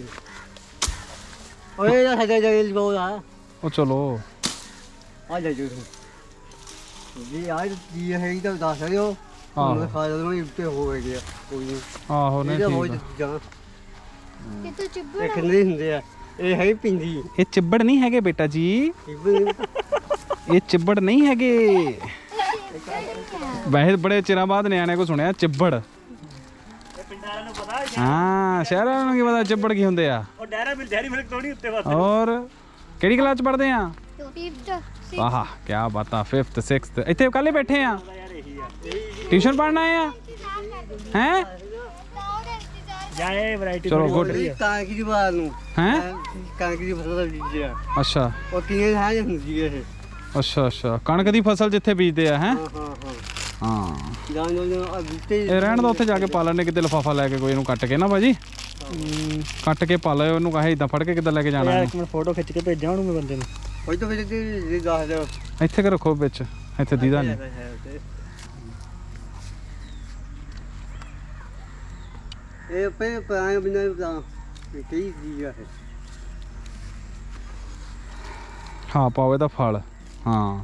ਓਏ ਇਹ ਹਜੇ ਜੇਲ ਬੋਲ ਆ।
ਉਹ ਚਲੋ
ਆ ਜਾ ਜੋ ਜੀ ਆ ਜੀ ਹੈ ਇਹ ਤਾਂ ਦੱਸ ਦਿਓ।
ਆਹੋ।
ਮੈਂ ਖਾ ਜਦੋਂ ਉੱਤੇ ਹੋ ਗਿਆ ਕੋਈ ਨਹੀਂ।
ਆਹੋ ਨਹੀਂ
ਇਹਦਾ ਬਹੁਤ
ਠੀਕ ਆ।
ਜਾਂ
ਕਿਤੇ ਚਿੱਬੜ
ਇਹ ਖੰਦੇ ਹੁੰਦੇ ਆ। ਇਹ ਹੈ ਪਿੰਦੀ।
ਇਹ ਚਿੱਬੜ ਨਹੀਂ ਹੈਗੇ ਬੇਟਾ ਜੀ, ਇਹ ਚਿੱਬੜ ਨਹੀਂ ਹੈਗੇ। ਵੈਸੇ ਬੜੇ ਚਿਰਾਂ ਬਾਅਦ ਨਿਆਣੇ ਕੋ ਸੁਣਿਆ ਚਿੱਬੜ।
ਪਿੰਡਾਂ ਵਾਲਿਆਂ ਨੂੰ ਪਤਾ ਹੈ।
ਹਾਂ ਸ਼ਹਿਰਾਂ ਨੂੰ ਕੀ ਪਤਾ ਚਿੱਬੜ ਕੀ ਹੁੰਦੇ ਆ।
ਉਹ ਡੈਰੀ ਮਿਲਕ ਥੋੜੀ ਉੱਤੇ ਬਸ।
ਔਰ ਕਿਹੜੀ ਕਲਾਸ ਚ ਪੜ੍ਹਦੇ ਆ?
5th
ਆਹਾ ਕੀ ਬਾਤਾਂ। 5th 6th ਇੱਥੇ ਕੱਲੇ ਬੈਠੇ ਆ? ਟਿਊਸ਼ਨ ਪੜ੍ਹਨ ਆਏ ਆ ਹੈ?
ਜਾਏ ਵੈਰਾਈਟੀ
ਚਲੋ ਗੁੱਡ।
ਕਾਂਕੀ ਦੀ ਬਾਤ ਨੂੰ
ਹੈਂ?
ਕਾਂਕੀ ਦੀ ਫਸਲ ਦਾ ਬੀਜ ਆ।
ਅੱਛਾ
ਉਹ ਕਿਵੇਂ ਹੈ ਹੁੰਦੀ ਹੈ ਇਹ।
ਅੱਛਾ ਅੱਛਾ। ਕਣਕ ਦੀ ਫਸਲ ਜਿੱਥੇ ਬੀਜਦੇ ਆ ਹੈ?
ਹਾਂ ਹਾਂ ਹਾਂ
ਹਾਂ
ਜਾਨ ਜੋ ਆ ਬੂਟੇ
ਇਹ ਰਹਿਣ ਦਾ ਉੱਥੇ ਜਾ ਕੇ ਪਾ ਲੈਣੇ ਕਿਤੇ ਲਿਫਾਫਾ ਲੈ ਕੇ ਕੋਈ ਇਹਨੂੰ ਕੱਟ ਕੇ ਨਾ ਭਾਜੀ, ਕੱਟ ਕੇ ਪਾ ਲਿਓ ਇਹਨੂੰ। ਕਹੇ ਇਦਾਂ ਫੜ ਕੇ ਕਿੱਦਾਂ ਲੈ ਕੇ ਜਾਣਾ
ਯਾਰ
ਇਹਨੂੰ?
ਇੱਕ ਮਿੰਟ ਫੋਟੋ ਖਿੱਚ ਕੇ ਭੇਜਾਂ ਉਹਨੂੰ ਮੈਂ ਬੰਦੇ ਨੂੰ।
ਕੋਈ ਤਾਂ ਫਿਰ ਇਹ ਦੱਸ ਦਿਓ।
ਇੱਥੇ ਕਿ ਰੱਖੋ ਵਿੱਚ, ਇੱਥੇ ਦੀਦਾ ਨਹੀਂ।
ਇਹ ਪੇ ਪਾਏ ਬਿਨਾਂ ਤਾਂ ਕੀ ਜੀ ਹੈ।
ਹਾਂ ਪਾਵੇ ਤਾਂ ਫਲ। ਹਾਂ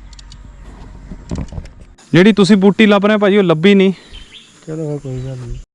ਜਿਹੜੀ ਤੁਸੀਂ ਬੂਟੀ ਲੱਭ ਰਹੇ ਭਾਜੀ ਉਹ ਲੱਭੀ ਨਹੀਂ।
ਚਲੋ ਕੋਈ ਗੱਲ ਨਹੀਂ।